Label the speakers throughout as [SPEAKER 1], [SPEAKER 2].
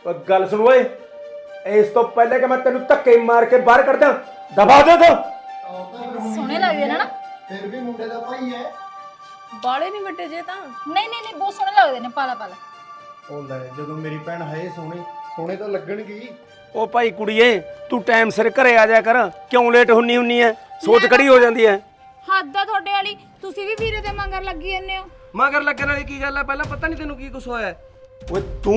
[SPEAKER 1] गल सुन ओए, इस तो पहले कि मैं तेन धक्के मार के बाहर कर दा, दबा दे तो।
[SPEAKER 2] सोने लगदे ने ना,
[SPEAKER 3] फिर भी मुंडे दा भाई है।
[SPEAKER 4] बाले नहीं वड्डे जे तां
[SPEAKER 2] नहीं बहुत सोने लगदे ने पाला पाला।
[SPEAKER 3] ਉਹ ਲੈ ਜਦੋਂ ਮੇਰੀ ਭੈਣ ਹੈ ਸੋਹਣੀ ਸੋਹਣੇ ਤਾਂ ਲੱਗਣਗੇ ਹੀ।
[SPEAKER 1] ओ भाई कुड़िए, तू टाइम सिर घरे आ जा कर, क्यों लेट हुन्नी हुन्नी है, सोच कड़ी हो जाती है।
[SPEAKER 4] ਹੱਦ ਆ ਤੁਹਾਡੇ ਵਾਲੀ ਤੁਸੀਂ ਵੀ ਵੀਰੇ ਦੇ ਮੰਗਰ ਲੱਗੀ ਜੰਨੇ ਹੋ।
[SPEAKER 5] मगर लगन वाली की गल है, पहला पता नहीं तेन की कुछ होया।
[SPEAKER 1] ओए तू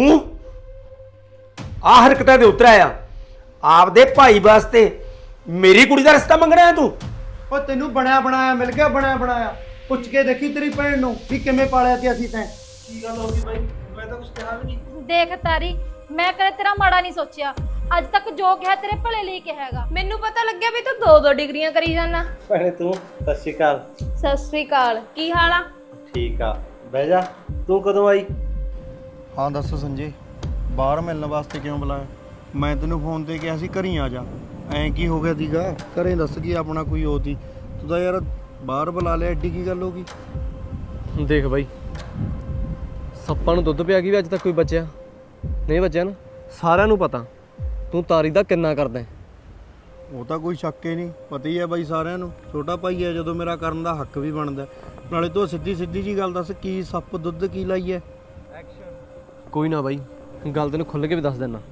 [SPEAKER 1] आ हरकतां दे उतर आया, आपदे भाई वास्ते मेरी कुड़ी दा रिश्ता मंगना है तू।
[SPEAKER 3] ਉਹ ਤੈਨੂੰ ਬਣਿਆ ਬਣਾਇਆ ਮਿਲ ਗਿਆ, ਬਣਿਆ ਬਣਾਇਆ ਪੁੱਛ ਕੇ ਦੇਖੀ ਤੇਰੀ ਭੈਣ ਨੂੰ ਵੀ ਕਿਵੇਂ ਪਾਲਿਆ ਤੇ ਅਸੀਂ ਤੈਂ।
[SPEAKER 5] की गल होगी भाई, मैं तो कुछ कहा भी नहीं।
[SPEAKER 2] देख तारी, मैं कदे तेरा माड़ा नहीं सोचिया, ਅੱਜ ਤੱਕ ਜੋ ਕਿਹਾ ਤੇਰੇ ਭਲੇ ਲਈ ਕਿਹਾ ਹੈਗਾ।
[SPEAKER 4] ਮੈਨੂੰ ਪਤਾ ਲੱਗਿਆ ਵੀ ਤੂੰ ਦੋ ਦੋ ਡਿਗਰੀਆਂ ਕਰੀ ਜਾਣਾ।
[SPEAKER 6] ਭੈਣੇ ਤੂੰ ਸਤਿ ਸ਼੍ਰੀ ਅਕਾਲ।
[SPEAKER 4] ਸਤਿ ਸ੍ਰੀ ਅਕਾਲ, ਕੀ ਹਾਲ ਆ?
[SPEAKER 6] ਠੀਕ ਆ, ਬਹਿ ਜਾ। ਤੂੰ ਕਦੋਂ ਆਈ?
[SPEAKER 3] ਹਾਂ ਦੱਸ ਸੰਜੇ, ਬਾਹਰ ਮਿਲਣ ਵਾਸਤੇ ਕਿਉਂ ਬੁਲਾਇਆ? ਮੈਂ ਤੈਨੂੰ ਫੋਨ ਤੇ ਕਿਹਾ ਸੀ ਘਰੀ ਆ ਜਾ, ਐਂ ਕੀ ਹੋ ਗਿਆ ਸੀਗਾ? ਘਰੇ ਦੱਸ ਕੀ ਆਪਣਾ ਕੋਈ ਹੋਤੀ, ਤੂੰ ਤਾਂ ਯਾਰ ਬਾਹਰ ਬੁਲਾ ਲਿਆ, ਐਡੀ ਕੀ ਗੱਲ ਹੋ ਗਈ?
[SPEAKER 5] देख भाई, ਸੱਪਾਂ ਨੂੰ ਦੁੱਧ ਪਿਆ ਗਈ ਵੀ ਅੱਜ ਤੱਕ ਕੋਈ ਬਚਿਆ ਨਹੀਂ ਬਚਿਆ ਨਾ। ਸਾਰਿਆਂ ਨੂੰ ਪਤਾ ਤੂੰ ਤਾਰੀ ਦਾ ਕਿੰਨਾ ਕਰਦਾ ਹੈ।
[SPEAKER 3] ਉਹ ਤਾਂ ਕੋਈ ਸ਼ੱਕ ਹੀ ਨਹੀਂ, ਪਤਾ ਹੀ ਹੈ ਬਾਈ ਸਾਰਿਆਂ ਨੂੰ, ਛੋਟਾ ਭਾਈ ਹੈ ਜਦੋਂ ਮੇਰਾ ਕਰਨ ਦਾ ਹੱਕ ਵੀ ਬਣਦਾ। ਨਾਲੇ ਤੂੰ ਸਿੱਧੀ ਸਿੱਧੀ ਜੀ ਗੱਲ ਦੱਸ, ਕੀ ਸੱਪ ਦੁੱਧ ਕੀ ਲਾਈ ਹੈ?
[SPEAKER 5] ਕੋਈ ਨਾ ਬਾਈ, ਗੱਲ ਤੈਨੂੰ ਖੁੱਲ੍ਹ ਕੇ ਵੀ ਦੱਸ ਦਿੰਦਾ।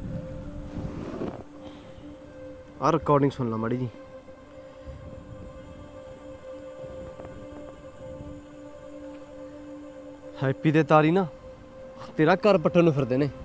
[SPEAKER 5] ਆਹ ਰਿਕਾਰਡਿੰਗ ਸੁਣ ਲਾ ਮਾੜੀ ਜੀ। ਹੈਪੀ ਤੇ ਤਾਰੀ ਨਾ ਤੇਰਾ ਘਰ ਪੱਟਣ ਨੂੰ ਫਿਰਦੇ ਨੇ।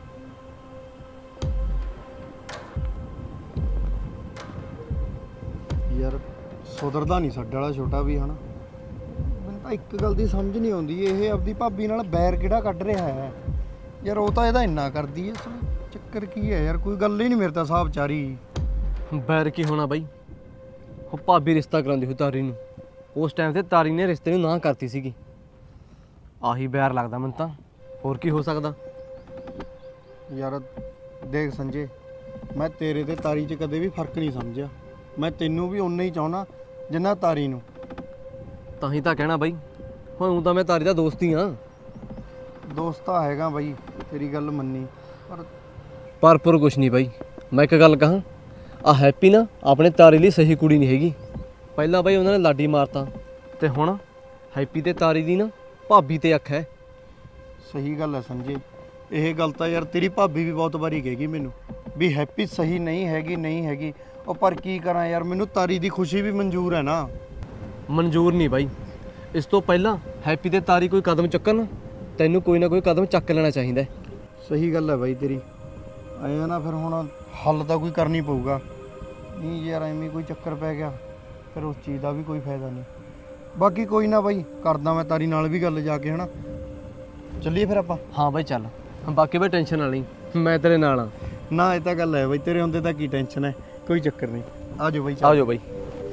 [SPEAKER 3] ਯਾਰ ਸੁਧਰਦਾ ਨਹੀਂ ਸਾਡੇ ਵਾਲਾ ਛੋਟਾ ਵੀ ਹਨਾ। ਮੈਨੂੰ ਤਾਂ ਇੱਕ ਗੱਲ ਦੀ ਸਮਝ ਨਹੀਂ ਆਉਂਦੀ, ਇਹ ਆਪਦੀ ਭਾਬੀ ਨਾਲ ਬੈਰ ਕਿਹੜਾ ਕੱਢ ਰਿਹਾ ਹੈ ਯਾਰ? ਉਹ ਤਾਂ ਇਹਦਾ ਇੰਨਾ ਕਰਦੀ ਹੈ, ਚੱਕਰ ਕੀ ਹੈ ਯਾਰ? ਕੋਈ ਗੱਲ ਹੀ ਨਹੀਂ ਮੇਰੇ ਤਾਂ ਹਿਸਾਬ ਚਾਰੀ।
[SPEAKER 5] ਬੈਰ ਕੀ ਹੋਣਾ ਬਾਈ, ਉਹ ਭਾਬੀ ਰਿਸ਼ਤਾ ਕਰਾਉਂਦੀ ਹੋਈ ਤਾਰੀ ਨੂੰ, ਉਸ ਟਾਈਮ ਤੇ ਤਾਰੀ ਨੇ ਰਿਸ਼ਤੇ ਨੂੰ ਨਾ ਕਰਤੀ ਸੀਗੀ। ਆਹੀ ਬੈਰ ਲੱਗਦਾ ਮੈਨੂੰ ਤਾਂ, ਹੋਰ ਕੀ ਹੋ ਸਕਦਾ?
[SPEAKER 3] ਯਾਰ ਦੇਖ ਸੰਜੇ, ਮੈਂ ਤੇਰੇ ਤੇ ਤਾਰੀ 'ਚ ਕਦੇ ਵੀ ਫਰਕ ਨਹੀਂ ਸਮਝਿਆ। ਮੈਂ ਤੈਨੂੰ ਵੀ ਉਨਾ ਹੀ ਚਾਹੁੰਦਾ ਜਿੰਨਾ ਤਾਰੀ ਨੂੰ।
[SPEAKER 5] ਤਾਂ ਹੀ ਤਾਂ ਕਹਿਣਾ ਬਾਈ, ਹੁਣ ਤਾਂ ਮੈਂ ਤਾਰੀ ਦਾ ਦੋਸਤ ਹੀ ਹਾਂ।
[SPEAKER 3] ਦੋਸਤ ਤਾਂ ਹੈਗਾ ਬਾਈ, ਤੇਰੀ ਗੱਲ ਮੰਨੀ,
[SPEAKER 5] ਪਰ ਕੁਛ ਨਹੀਂ ਬਾਈ। ਮੈਂ ਇੱਕ ਗੱਲ ਕਹਾਂ, ਆ ਹੈਪੀ ਨਾ ਆਪਣੇ ਤਾਰੀ ਲਈ ਸਹੀ ਕੁੜੀ ਨਹੀਂ ਹੈਗੀ। ਪਹਿਲਾਂ ਬਾਈ ਉਹਨਾਂ ਨੇ ਲਾਡੀ ਮਾਰਤਾ, ਤੇ ਹੁਣ ਹੈਪੀ ਤੇ ਤਾਰੀ ਦੀ ਨਾ ਭਾਬੀ ਤੇ ਅੱਖ ਹੈ।
[SPEAKER 3] ਸਹੀ ਗੱਲ ਹੈ ਸੰਜੇ, ਇਹ ਗੱਲ ਤਾਂ ਯਾਰ ਤੇਰੀ ਭਾਬੀ ਵੀ ਬਹੁਤ ਵਾਰੀ ਕਹੇਗੀ ਮੈਨੂੰ ਵੀ ਹੈਪੀ ਸਹੀ ਨਹੀਂ ਹੈਗੀ, ਨਹੀਂ ਹੈਗੀ। ਉਹ ਪਰ ਕੀ ਕਰਾਂ ਯਾਰ, ਮੈਨੂੰ ਤਾਰੀ ਦੀ ਖੁਸ਼ੀ ਵੀ ਮਨਜ਼ੂਰ ਹੈ ਨਾ।
[SPEAKER 5] ਮਨਜ਼ੂਰ ਨਹੀਂ ਬਾਈ, ਇਸ ਤੋਂ ਪਹਿਲਾਂ ਹੈਪੀ ਤੇ ਤਾਰੀ ਕੋਈ ਕਦਮ ਚੁੱਕਣ, ਤੈਨੂੰ ਕੋਈ ਨਾ ਕੋਈ ਕਦਮ ਚੱਕ ਲੈਣਾ ਚਾਹੀਦਾ।
[SPEAKER 3] ਸਹੀ ਗੱਲ ਹੈ ਬਾਈ ਤੇਰੀ, ਆਇਆ ਨਾ ਫਿਰ ਹੁਣ ਹੱਲ ਤਾਂ ਕੋਈ ਕਰਨੀ ਪਊਗਾ। ਨਹੀਂ ਯਾਰ ਐਵੇਂ ਕੋਈ ਚੱਕਰ ਪੈ ਗਿਆ ਫਿਰ ਉਸ ਚੀਜ਼ ਦਾ ਵੀ ਕੋਈ ਫਾਇਦਾ ਨਹੀਂ। ਬਾਕੀ ਕੋਈ ਨਾ ਬਾਈ, ਕਰਦਾ ਮੈਂ ਤਾਰੀ ਨਾਲ ਵੀ ਗੱਲ ਜਾ ਕੇ, ਹਨਾ? ਚੱਲੀਏ ਫਿਰ ਆਪਾਂ।
[SPEAKER 5] ਹਾਂ ਬਾਈ ਚੱਲ, ਬਾਕੀ ਬਾਈ ਟੈਨਸ਼ਨ ਨਾ ਲਈ, ਮੈਂ ਤੇਰੇ ਨਾਲ ਆ।
[SPEAKER 3] ਨਾ ਇਹ ਤਾਂ ਗੱਲ ਹੈ ਬਾਈ, ਤੇਰੇ ਹੁੰਦੇ ਤਾਂ ਕੀ ਟੈਨਸ਼ਨ ਹੈ, ਕੋਈ ਚੱਕਰ ਨਹੀਂ। ਆ ਜਾਓ ਬਾਈ,
[SPEAKER 5] ਆ ਜਾਓ ਬਾਈ।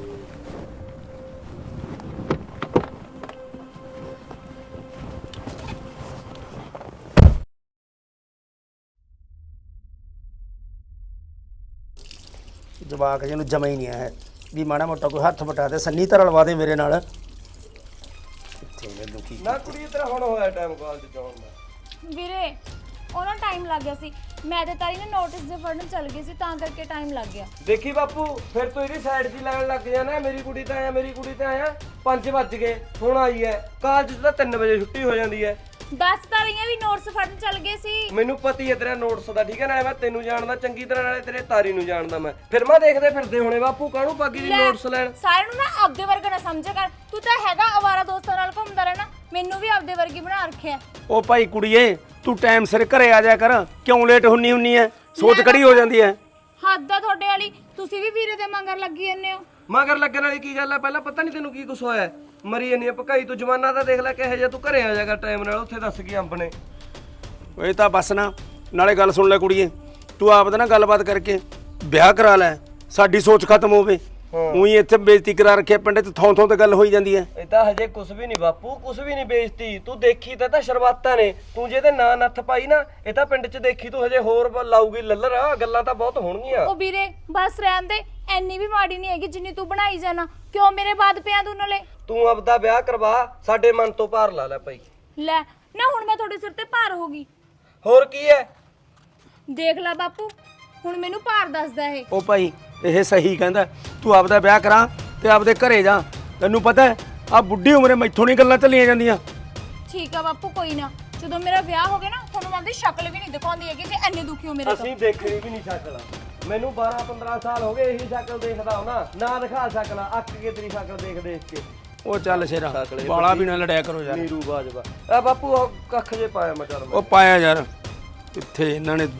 [SPEAKER 1] ਜਵਾਕ ਜਿਹਨੂੰ ਜਮਾ ਹੀ ਨਹੀਂ ਆਇਆ ਵੀ ਮਾੜਾ ਮੋਟਾ ਕੋਈ ਹੱਥ ਵਟਾ ਦੇ, ਸੰਨੀ ਧਰ ਲਵਾ ਦੇ ਮੇਰੇ ਨਾਲ। ਕਿੱਥੇ ਮੈਨੂੰ ਕੀ
[SPEAKER 5] ਨਾ ਕੁੜੀ ਤੇਰਾ ਹੁਣ ਹੋਇਆ ਟਾਈਮ ਕਾਲਜ ਜਾਣ ਦਾ।
[SPEAKER 4] ਵੀਰੇ ਉਹਨਾਂ ਟਾਈਮ ਲੱਗ ਗਿਆ ਸੀ, ਮੈਂ ਤੇ ਤਾਰੀ ਨੇ ਨੋਟਿਸ ਦੇ ਫੜਨ ਚੱਲ ਗਈ ਸੀ, ਤਾਂ ਕਰਕੇ ਟਾਈਮ ਲੱਗ ਗਿਆ।
[SPEAKER 5] ਦੇਖੀ ਬਾਪੂ, ਫਿਰ ਤੂੰ ਇਹਦੀ ਸਾਈਡ 'ਚ ਲੈਣ ਲੱਗ ਜਾਣਾ। ਮੇਰੀ ਕੁੜੀ ਤਾਂ ਆਇਆ, ਮੇਰੀ ਕੁੜੀ ਤਾਂ ਆਇਆ, 5 ਵੱਜ ਗਏ, ਹੁਣ ਆਈ ਹੈ। ਕਾਲਜ 'ਚ ਤਾਂ 3 ਵਜੇ ਛੁੱਟੀ ਹੋ ਜਾਂਦੀ ਹੈ।
[SPEAKER 4] 10 ਤਾਰੀਆਂ ਵੀ ਨੋਟਿਸ ਫੜਨ ਚੱਲ ਗਏ ਸੀ।
[SPEAKER 5] ਮੈਨੂੰ ਪਤੀ ਹੈ ਤੇਰਾ ਨੋਟਸ ਦਾ, ਠੀਕ ਹੈ ਨਾ? ਮੈਂ ਤੈਨੂੰ ਜਾਣਦਾ ਚੰਗੀ ਤਰ੍ਹਾਂ, ਨਾਲੇ ਤੇਰੇ ਤਾਰੀ ਨੂੰ ਜਾਣਦਾ ਮੈਂ। ਫਿਰ ਮੈਂ ਦੇਖਦੇ ਫਿਰਦੇ ਹੋਣੇ ਬਾਪੂ ਕਾਹਨੂੰ ਪਾਗੀ ਦੀ ਨੋਟਸ ਲੈਣ।
[SPEAKER 4] ਸਾਰਿਆਂ ਨੂੰ ਨਾ ਆਪਦੇ ਵਰਗਾ ਨਾ ਸਮਝਿਆ ਕਰ, ਤੂੰ ਤਾਂ ਹੈਗਾ ਅਵਾਰਾ ਦੋਸਤਾਂ ਨਾਲ ਘੁੰਮਦਾ ਰਹਿਣਾ, ਮੈਨੂੰ ਵੀ ਆਪਦੇ ਵਰਗੀ ਬਣਾ ਰੱਖਿਆ।
[SPEAKER 1] ਉਹ ਭਾਈ ਕੁੜੀਏ, ਤੂੰ ਟਾਈਮ ਸਿਰ ਘਰੇ ਆ ਜਾ ਕਰ, ਕਿਉਂ ਲੇਟ ਹੁੰਨੀ ਹੁੰਨੀ ਹੈ, ਸੋਚ ਕੜੀ ਹੋ ਜਾਂਦੀ ਹੈ।
[SPEAKER 4] ਹੱਦ ਆ ਤੁਹਾਡੇ ਵਾਲੀ, ਤੁਸੀਂ ਵੀ ਵੀਰੇ ਦੇ ਮੰਗਰ ਲੱਗੀ ਜੰਨੇ ਹੋ।
[SPEAKER 5] ਮਗਰ ਲੱਗਣ ਵਾਲੀ ਕੀ ਗੱਲ ਹੈ? ਪਹਿਲਾਂ ਪਤਾ ਨਹੀਂ ਤੈਨੂੰ ਕੀ ਕੁਛ ਹੋਇਆ? ਮਰੀ ਜੰਨੀ ਆ ਭਕਾਈ ਤੂੰ, ਜਮਾਨਾ ਤਾਂ ਦੇਖ ਲੈ ਕਿਹੋ ਜਿਹਾ। ਤੂੰ ਘਰੇ ਆ ਜਾਗਾ ਟਾਈਮ ਨਾਲ, ਉੱਥੇ ਦੱਸ ਕੀ ਅੰਬ ਨੇ।
[SPEAKER 1] ਇਹ ਤਾਂ ਬਸ ਨਾ, ਨਾਲੇ ਗੱਲ ਸੁਣ ਲੈ ਕੁੜੀਏ, ਤੂੰ ਆਪ ਦਾ ਨਾ ਗੱਲਬਾਤ ਕਰਕੇ ਵਿਆਹ ਕਰਾ ਲੈ, ਸਾਡੀ ਸੋਚ ਖਤਮ ਹੋਵੇ। ਉਹੀ ਇੱਥੇ ਬੇਇੱਜ਼ਤੀ ਕਰਾ ਰੱਖਿਆ ਪਿੰਡ 'ਚ, ਥੋਂ ਥੋਂ ਤੇ ਗੱਲ ਹੋਈ ਜਾਂਦੀ ਹੈ।
[SPEAKER 5] ਇਹ ਤਾਂ ਹਜੇ ਕੁਛ ਵੀ ਨਹੀਂ ਬਾਪੂ, ਕੁਛ ਵੀ ਨਹੀਂ ਬੇਇੱਜ਼ਤੀ। ਤੂੰ ਦੇਖੀ ਤਾਂ ਸ਼ੁਰੂਆਤਾਂ ਨੇ, ਤੂੰ ਜਿਹਦੇ ਨਾਂ ਨੱਥ ਪਾਈ ਨਾ, ਇਹ ਤਾਂ ਪਿੰਡ 'ਚ ਦੇਖੀ ਤੂੰ ਹਜੇ ਹੋਰ ਲਾਊਗੀ ਲੱਲਰ। ਗੱਲਾਂ ਤਾਂ ਬਹੁਤ ਹੋਣਗੀਆਂ।
[SPEAKER 4] ਉਹ ਵੀਰੇ ਬਸ ਰਹਿਣ ਦੇ, ਐਨੀ ਵੀ ਮਾੜੀ ਨਹੀਂ ਹੈਗੀ ਜਿੰਨੀ ਤੂੰ ਬਣਾਈ ਜਾਣਾ। ਕਿਉਂ ਮੇਰੇ ਬਾਦ ਪਿਆ ਤੂੰ ਨਾਲੇ?
[SPEAKER 5] ਤੂੰ ਆਪਦਾ ਵਿਆਹ ਕਰਵਾ, ਸਾਡੇ ਮਨ ਤੋਂ ਭਾਰ ਲਾ ਲੈ ਭਾਈ।
[SPEAKER 4] ਲੈ ਨਾ, ਹੁਣ ਮੈਂ ਤੁਹਾਡੇ ਸਿਰ ਤੇ ਭਾਰ ਹੋ ਗਈ।
[SPEAKER 5] ਹੋਰ ਕੀ ਹੈ?
[SPEAKER 4] ਦੇਖ ਲੈ ਬਾਪੂ, ਹੁਣ ਮੈਨੂੰ ਭਾਰ ਦੱਸਦਾ ਇਹ।
[SPEAKER 1] ਉਹ ਭਾਈ ਇਹ ਸਹੀ ਕਹਿੰਦਾ, ਤੂੰ ਆਪਦਾ ਵਿਆਹ ਕਰਾਂ ਤੇ ਆਪਦੇ ਘਰੇ ਜਾ। ਤੈਨੂੰ ਪਤਾ ਹੈ ਆ ਬੁੱਢੀ ਉਮਰੇ ਮੈਥੋਂ ਨਹੀਂ ਗੱਲਾਂ ਚੱਲੀਆਂ ਜਾਂਦੀਆਂ।
[SPEAKER 4] ਠੀਕ ਆ ਬਾਪੂ, ਕੋਈ ਨਾ, ਜਦੋਂ ਮੇਰਾ ਵਿਆਹ ਹੋ ਗਿਆ ਨਾ ਤੁਹਾਨੂੰ ਆਪਦੀ ਸ਼ਕਲ ਵੀ ਨਹੀਂ ਦਿਖਾਉਂਦੀ ਹੈਗੀ ਜੇ ਐਨੇ ਦੁਖੀ ਹੋ ਮੇਰੇ ਤੋਂ।
[SPEAKER 5] ਅਸੀਂ ਦੇਖਣੀ ਵੀ ਨਹੀਂ ਸ਼ਕਲ। ਮੈਨੂੰ 12-15 ਸਾਲ ਹੋ ਗਏ ਇਹੀ ਸ਼ਕਲ ਦੇਖਦਾ ਹੁਣਾ, ਨਾ ਦਿਖਾ ਸ਼ਕਲ, ਅੱਕ ਕੇ ਤੇਰੀ ਸ਼ਕਲ ਦੇਖ ਕੇ।
[SPEAKER 1] ਉਹ ਚੱਲ ਸ਼ੇਰਾ, ਬਾਲਾ ਵੀ ਨਾ ਲੜਿਆ ਕਰੋ ਯਾਰ।
[SPEAKER 5] ਨੀਰੂ ਬਾਜਵਾ ਆ ਬਾਪੂ ਉਹ ਕੱਖ ਜੇ ਪਾਇਆ ਮੈਂ ਚੱਲ।
[SPEAKER 1] ਉਹ ਪਾਇਆ ਯਾਰ, ਕਿੱਥੇ ਇਹਨਾਂ ਨੇ।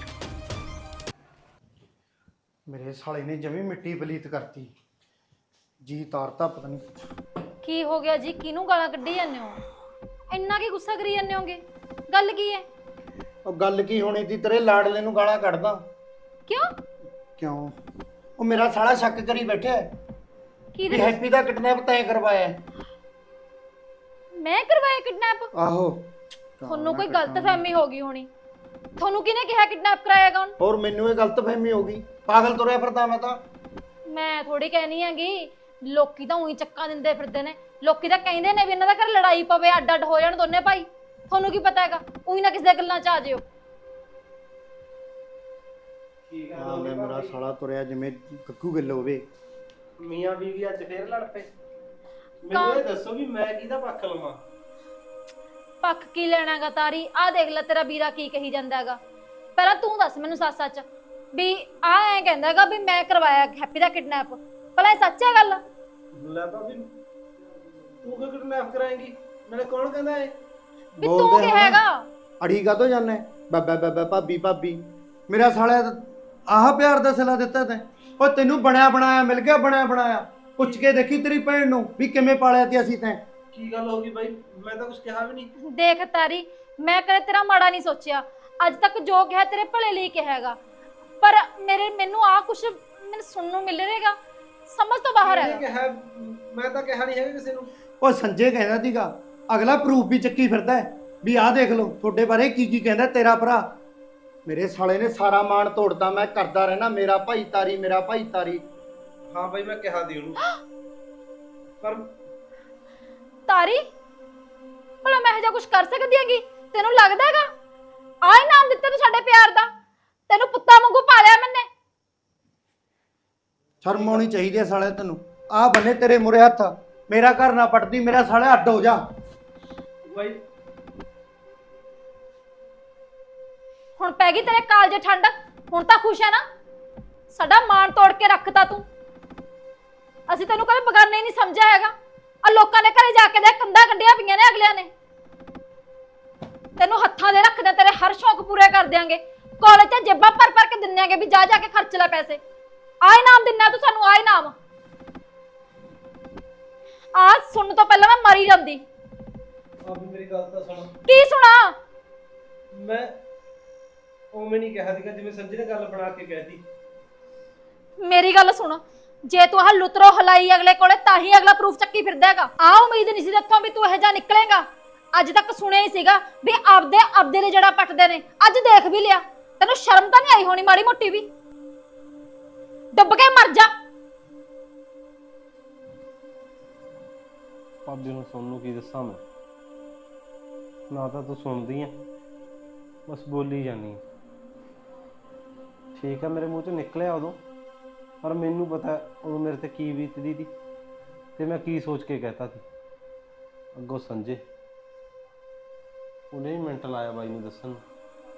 [SPEAKER 3] ਮੇਰੇ ਸਾਲੇ ਨੇ ਜਮੀ ਮਿੱਟੀ ਪਲੀਤ ਕਰਤੀ ਜੀ, ਤਾਰਤਾ ਪਤਾ ਨਹੀਂ।
[SPEAKER 2] ਕੀ ਹੋ ਗਿਆ ਜੀ? ਕਿਹਨੂੰ ਗਾਲਾਂ ਕੱਢੀ ਜਾਂਦੇ ਹੋ? ਇੰਨਾ ਕੀ ਗੁੱਸਾ ਕਰੀ ਜਾਂਦੇ ਹੋਗੇ? ਗੱਲ ਕੀ ਹੈ?
[SPEAKER 3] ਉਹ ਗੱਲ ਕੀ ਹੋਣੀ ਸੀ, ਤੇਰੇ ਲਾਡਲੇ ਨੂੰ ਗਾਲਾਂ ਕੱਢਦਾ।
[SPEAKER 2] ਕਿਉਂ?
[SPEAKER 3] ਕਿਉਂ? ਉਹ ਮੇਰਾ ਸਾਲਾ ਸ਼ੱਕ ਕਰੀ ਬੈਠਾ ਹੈ
[SPEAKER 2] ਕੀ
[SPEAKER 3] ਵੀ ਹੈਪੀ ਦਾ ਕਿਡਨੈਪ ਤੈਂ ਕਰਵਾਇਆ ਹੈ।
[SPEAKER 2] ਮੈਂ ਕਰਵਾਇਆ ਕਿਡਨੈਪ?
[SPEAKER 3] ਆਹੋ।
[SPEAKER 2] ਤੁਹਾਨੂੰ ਕੋਈ ਗਲਤਫਹਿਮੀ ਹੋ ਗਈ ਹੋਣੀ। ਤੁਹਾਨੂੰ ਕਿਹਨੇ ਕਿਹਾ ਕਿਡਨੈਪ ਕਰਾਏਗਾ ਹੁਣ?
[SPEAKER 3] ਹੋਰ ਮੈਨੂੰ ਇਹ ਗਲਤਫਹਿਮੀ ਹੋ ਗਈ, ਪਾਗਲ ਤੁਰਿਆ ਫਿਰਦਾ ਮੈਂ ਤਾਂ।
[SPEAKER 2] ਮੈਂ ਥੋੜੀ ਕਹਿਣੀ ਹੈਗੀ, ਲੋਕੀ ਤਾਂ ਉਹੀ ਚੱਕਾਂ ਦਿੰਦੇ ਫਿਰਦੇ ਨੇ। ਲੋਕੀ ਤਾਂ ਕਹਿੰਦੇ ਨੇ ਵੀ ਇਹਨਾਂ ਦਾ ਘਰ ਲੜਾਈ ਪਵੇ, ਅੱਡ ਅੱਡ ਹੋ ਜਾਣ ਦੋਨੇ ਭਾਈ। ਤੁਹਾਨੂੰ ਕੀ ਪਤਾ ਹੈਗਾ? ਉਹੀ ਨਾ ਕਿਸੇ ਦੀਆਂ ਗੱਲਾਂ 'ਚ ਆ ਜਿਓ।
[SPEAKER 3] ਆ ਗਿਆ ਮੇਰਾ ਸਾਲਾ ਤੁਰਿਆ ਜਿਵੇਂ ਕੱਕੂ ਗਿੱਲ ਹੋਵੇ।
[SPEAKER 6] ਮੀਆਂ ਬੀਵੀ ਅੱਜ ਫੇਰ ਲੜ ਪਏ। ਮੈਨੂੰ ਇਹ ਦੱਸੋ ਵੀ ਮੈਂ ਕਿਹਦਾ ਪੱਖ ਲਵਾਂ?
[SPEAKER 2] ਪੱਖ ਕੀ ਲੈਣਾਗਾ ਤਾਰੀ? ਆਹ ਦੇਖ ਲੈ ਤੇਰਾ ਵੀਰਾ ਕੀ ਕਹੀ ਜਾਂਦਾ ਹੈਗਾ। ਪਹਿਲਾਂ ਤੂੰ ਦੱਸ ਮੈਨੂੰ ਸੱਚ ਵੀ ਆ ਐਂ ਕਹਿੰਦਾ ਹੈਗਾ ਵੀ ਮੈਂ ਕਰਵਾਇਆ ਹੈਪੀ ਦਾ ਕਿਡਨੈਪ। ਭਲਾ ਇਹ ਸੱਚ ਹੈ ਗੱਲ?
[SPEAKER 6] ਲੈ ਭਾਬੀ ਤੂੰ ਕਿਉਂ ਕਿਡਨੈਪ ਕਰਾਏਂਗੀ? ਮੈਨੂੰ ਕੌਣ ਕਹਿੰਦਾ ਏ?
[SPEAKER 2] ਵੀ ਤੂੰ ਕੀ ਹੈਗਾ?
[SPEAKER 3] ਅੜੀ ਕਾਤੋਂ ਜਾਣਾ ਬਾਬਾ ਬਾਬਾ ਭਾਬੀ ਭਾਬੀ। ਮੇਰਾ ਸਾਲਿਆ ਆਹ ਪਿਆਰ ਦਾ ਸਿਲਾ ਦਿੱਤਾ ਤੈਂ। ਉਹ ਤੈਨੂੰ ਬਣਿਆ ਬਣਾਇਆ ਮਿਲ ਗਿਆ, ਬਣਿਆ ਬਣਾਇਆ। ਪੁੱਛ ਕੇ ਦੇਖੀ ਤੇਰੀ ਭੈਣ ਨੂੰ ਵੀ ਕਿਵੇਂ ਪਾਲਿਆ ਤੇ ਅਸੀਂ ਤੈਂ।
[SPEAKER 6] ਕੀ ਗੱਲ ਹੋ ਗਈ ਬਾਈ? ਮੈਂ ਤਾਂ ਕੁਝ ਕਿਹਾ ਵੀ ਨਹੀਂ।
[SPEAKER 2] ਦੇਖ ਤਾਰੀ, ਮੈਂ ਕਦੇ ਤੇਰਾ ਮਾੜਾ ਨਹੀਂ ਸੋਚਿਆ। ਅੱਜ ਤੱਕ ਜੋ ਕਿਹਾ ਤੇਰੇ ਭਲੇ ਲਈ ਕਿਹਾ ਹੈਗਾ। ਪਰ ਮੈਨੂੰ ਆ ਕੁਛ ਮੈਨੂੰ ਸੁਣਨ ਨੂੰ ਮਿਲ ਰਿਹਾਗਾ, ਸਮਝ ਤੋਂ ਬਾਹਰ ਹੈ।
[SPEAKER 6] ਮੈਂ ਤਾਂ ਕਿਹਾ ਨਹੀਂ ਹੈਗਾ ਕਿਸੇ ਨੂੰ।
[SPEAKER 3] ਉਹ ਸੰਜੇ ਕਹਿੰਦਾ ਸੀਗਾ, ਅਗਲਾ ਪ੍ਰੂਫ ਵੀ ਚੱਕੀ ਫਿਰਦਾ ਹੈ ਵੀ ਆਹ ਦੇਖ ਲਓ ਤੁਹਾਡੇ ਬਾਰੇ ਕੀ ਕੀ ਕਹਿੰਦਾ ਤੇਰਾ ਭਰਾ। ਮੇਰੇ ਸਾਲੇ ਨੇ ਸਾਰਾ ਮਾਣ ਤੋੜਦਾ। ਮੈਂ ਕਰਦਾ ਰਹਿਣਾ ਮੇਰਾ ਭਾਈ ਤਾਰੀ, ਮੇਰਾ ਭਾਈ ਤਾਰੀ।
[SPEAKER 6] ਹਾਂ ਬਾਈ ਮੈਂ ਕਿਹਾ ਦੀ ਉਹਨੂੰ, ਪਰ
[SPEAKER 2] ਤਾਰੀ ਭਲਾ ਮੈਂ ਇਹੋ ਕੁਝ ਕਰ ਸਕਦੀ ਹੈਗੀ? ਤੈਨੂੰ ਲੱਗਦਾ ਹੈਗਾ ਆਹ ਨਾਮ ਦਿੱਤਾ ਤੂੰ ਸਾਡੇ ਪਿਆਰ ਦਾ? ਤੈਨੂੰ ਪੁੱਤਾਂ ਵਾਂਗੂ ਪਾਲਿਆ ਮੈਨੇ।
[SPEAKER 3] ਸ਼ਰਮ ਆਉਣੀ ਚਾਹੀਦੀ ਹੈ ਸਾਲੇ ਤੈਨੂੰ। ਆਹ ਬੰਨੇ ਤੇਰੇ ਮੁਰੇ ਹੱਥ, ਮੇਰਾ ਘਰ ਨਾ ਪਟਦੀ, ਮੇਰਾ ਸਾਲੇ ਅੱਡ ਹੋ ਜਾ।
[SPEAKER 6] ਬਾਈ
[SPEAKER 2] ਹੁਣ ਪੈ ਗਈ ਤੇਰੇ ਕਾਲਜੇ ਠੰਡ? ਹੁਣ ਤਾਂ ਖੁਸ਼ ਹੈ ਨਾ? ਸਾਡਾ ਮਾਣ ਤੋੜ ਕੇ ਰੱਖਤਾ ਤੂੰ। ਅਸੀਂ ਤੈਨੂੰ ਕਦੇ ਬਗਾਨੇ ਨਹੀਂ ਸਮਝਿਆ ਹੈਗਾ। ਆ ਲੋਕਾਂ ਦੇ ਘਰੇ ਜਾ ਕੇ ਦੇ ਕੰਧਾਂ ਕੱਢੀਆਂ ਪਈਆਂ ਨੇ ਅਗਲਿਆਂ ਨੇ। ਤੈਨੂੰ ਹੱਥਾਂ ਦੇ ਰੱਖਦੇ, ਤੇਰੇ ਹਰ ਸ਼ੌਕ ਪੂਰੇ ਕਰ ਦਿਆਂਗੇ। ਕਾਲਜ ਤੇ ਜੇਬਾਂ ਭਰ ਭਰ ਕੇ ਦਿੰਨੇਗੇ ਵੀ ਜਾ ਜਾ ਕੇ ਖਰਚ ਲੈ ਪੈਸੇ। ਆਹ ਇਨਾਮ ਦਿੰਨਾ ਤੂੰ ਸਾਨੂੰ, ਆਹ ਇਨਾਮ। ਆ ਸੁਣਨ ਤੋਂ ਪਹਿਲਾਂ ਮੈਂ ਮਰੀ ਜਾਂਦੀ।
[SPEAKER 6] ਆਪ ਮੇਰੀ ਗੱਲ ਤਾਂ ਸੁਣ।
[SPEAKER 2] ਕੀ ਸੁਣਾ?
[SPEAKER 6] ਮੈਂ ਉਵੇਂ ਨਹੀਂ ਕਿਹਾ ਸੀਗਾ ਜਿਵੇਂ ਸੰਜੇ ਨੇ ਗੱਲ ਬਣਾ ਕੇ ਕਹਿਤੀ।
[SPEAKER 2] ਮੇਰੀ ਗੱਲ ਸੁਣ, ਜੇ ਤੂੰ ਆਹ ਲੁਤਰੋ ਹਲਾਈ ਅਗਲੇ ਕੋਲੇ ਤਾਂ ਹੀ ਅਗਲਾ ਪ੍ਰੂਫ ਚੱਕੀ ਫਿਰਦਾ ਹੈਗਾ। ਆਹ ਉਮੀਦ ਨਹੀਂ ਸੀ ਤੇਥੋਂ ਵੀ ਤੂੰ ਇਹੋ ਜਿਹਾ ਨਿਕਲੇਗਾ। ਅੱਜ ਤੱਕ ਸੁਣਿਆ ਹੀ ਸੀਗਾ ਵੀ ਆਪਦੇ ਦੇ ਜਿਹੜਾ ਪੱਟਦੇ ਨੇ। ਅੱਜ ਦੇਖ ਵੀ ਲਿਆ। ਤੈਨੂੰ ਸ਼ਰਮ ਤਾਂ ਨਹੀਂ ਆਈ ਹੋਣੀ ਮਾੜੀ ਮੋਟੀ ਵੀ? ਡੁੱਬ ਕੇ ਮਰ ਜਾ।
[SPEAKER 5] ਭਾਬੀ ਨੂੰ ਸੁਣ ਨੂੰ ਕੀ ਦੱਸਾਂ ਮੈਂ? ਨਾ ਤਾਂ ਤੂੰ ਸੁਣਦੀ ਆ, ਬਸ ਬੋਲੀ ਜਾਂਦੀ ਆ। ਠੀਕ ਆ ਮੇਰੇ ਮੂੰਹ ਚੋਂ ਨਿਕਲਿਆ ਉਦੋਂ, ਪਰ ਮੈਨੂੰ ਪਤਾ ਉਦੋਂ ਮੇਰੇ ਤੇ ਕੀ ਬੀਤਦੀ ਸੀ ਤੇ ਮੈਂ ਕੀ ਸੋਚ ਕੇ ਕਹਿਤਾ ਸੀ। ਅੱਗੋਂ ਸੰਜੇ ਉਹਨੇ ਹੀ ਮਿੰਟ ਲਾਇਆ ਬਾਈ ਨੂੰ ਦੱਸਣ ਨੂੰ।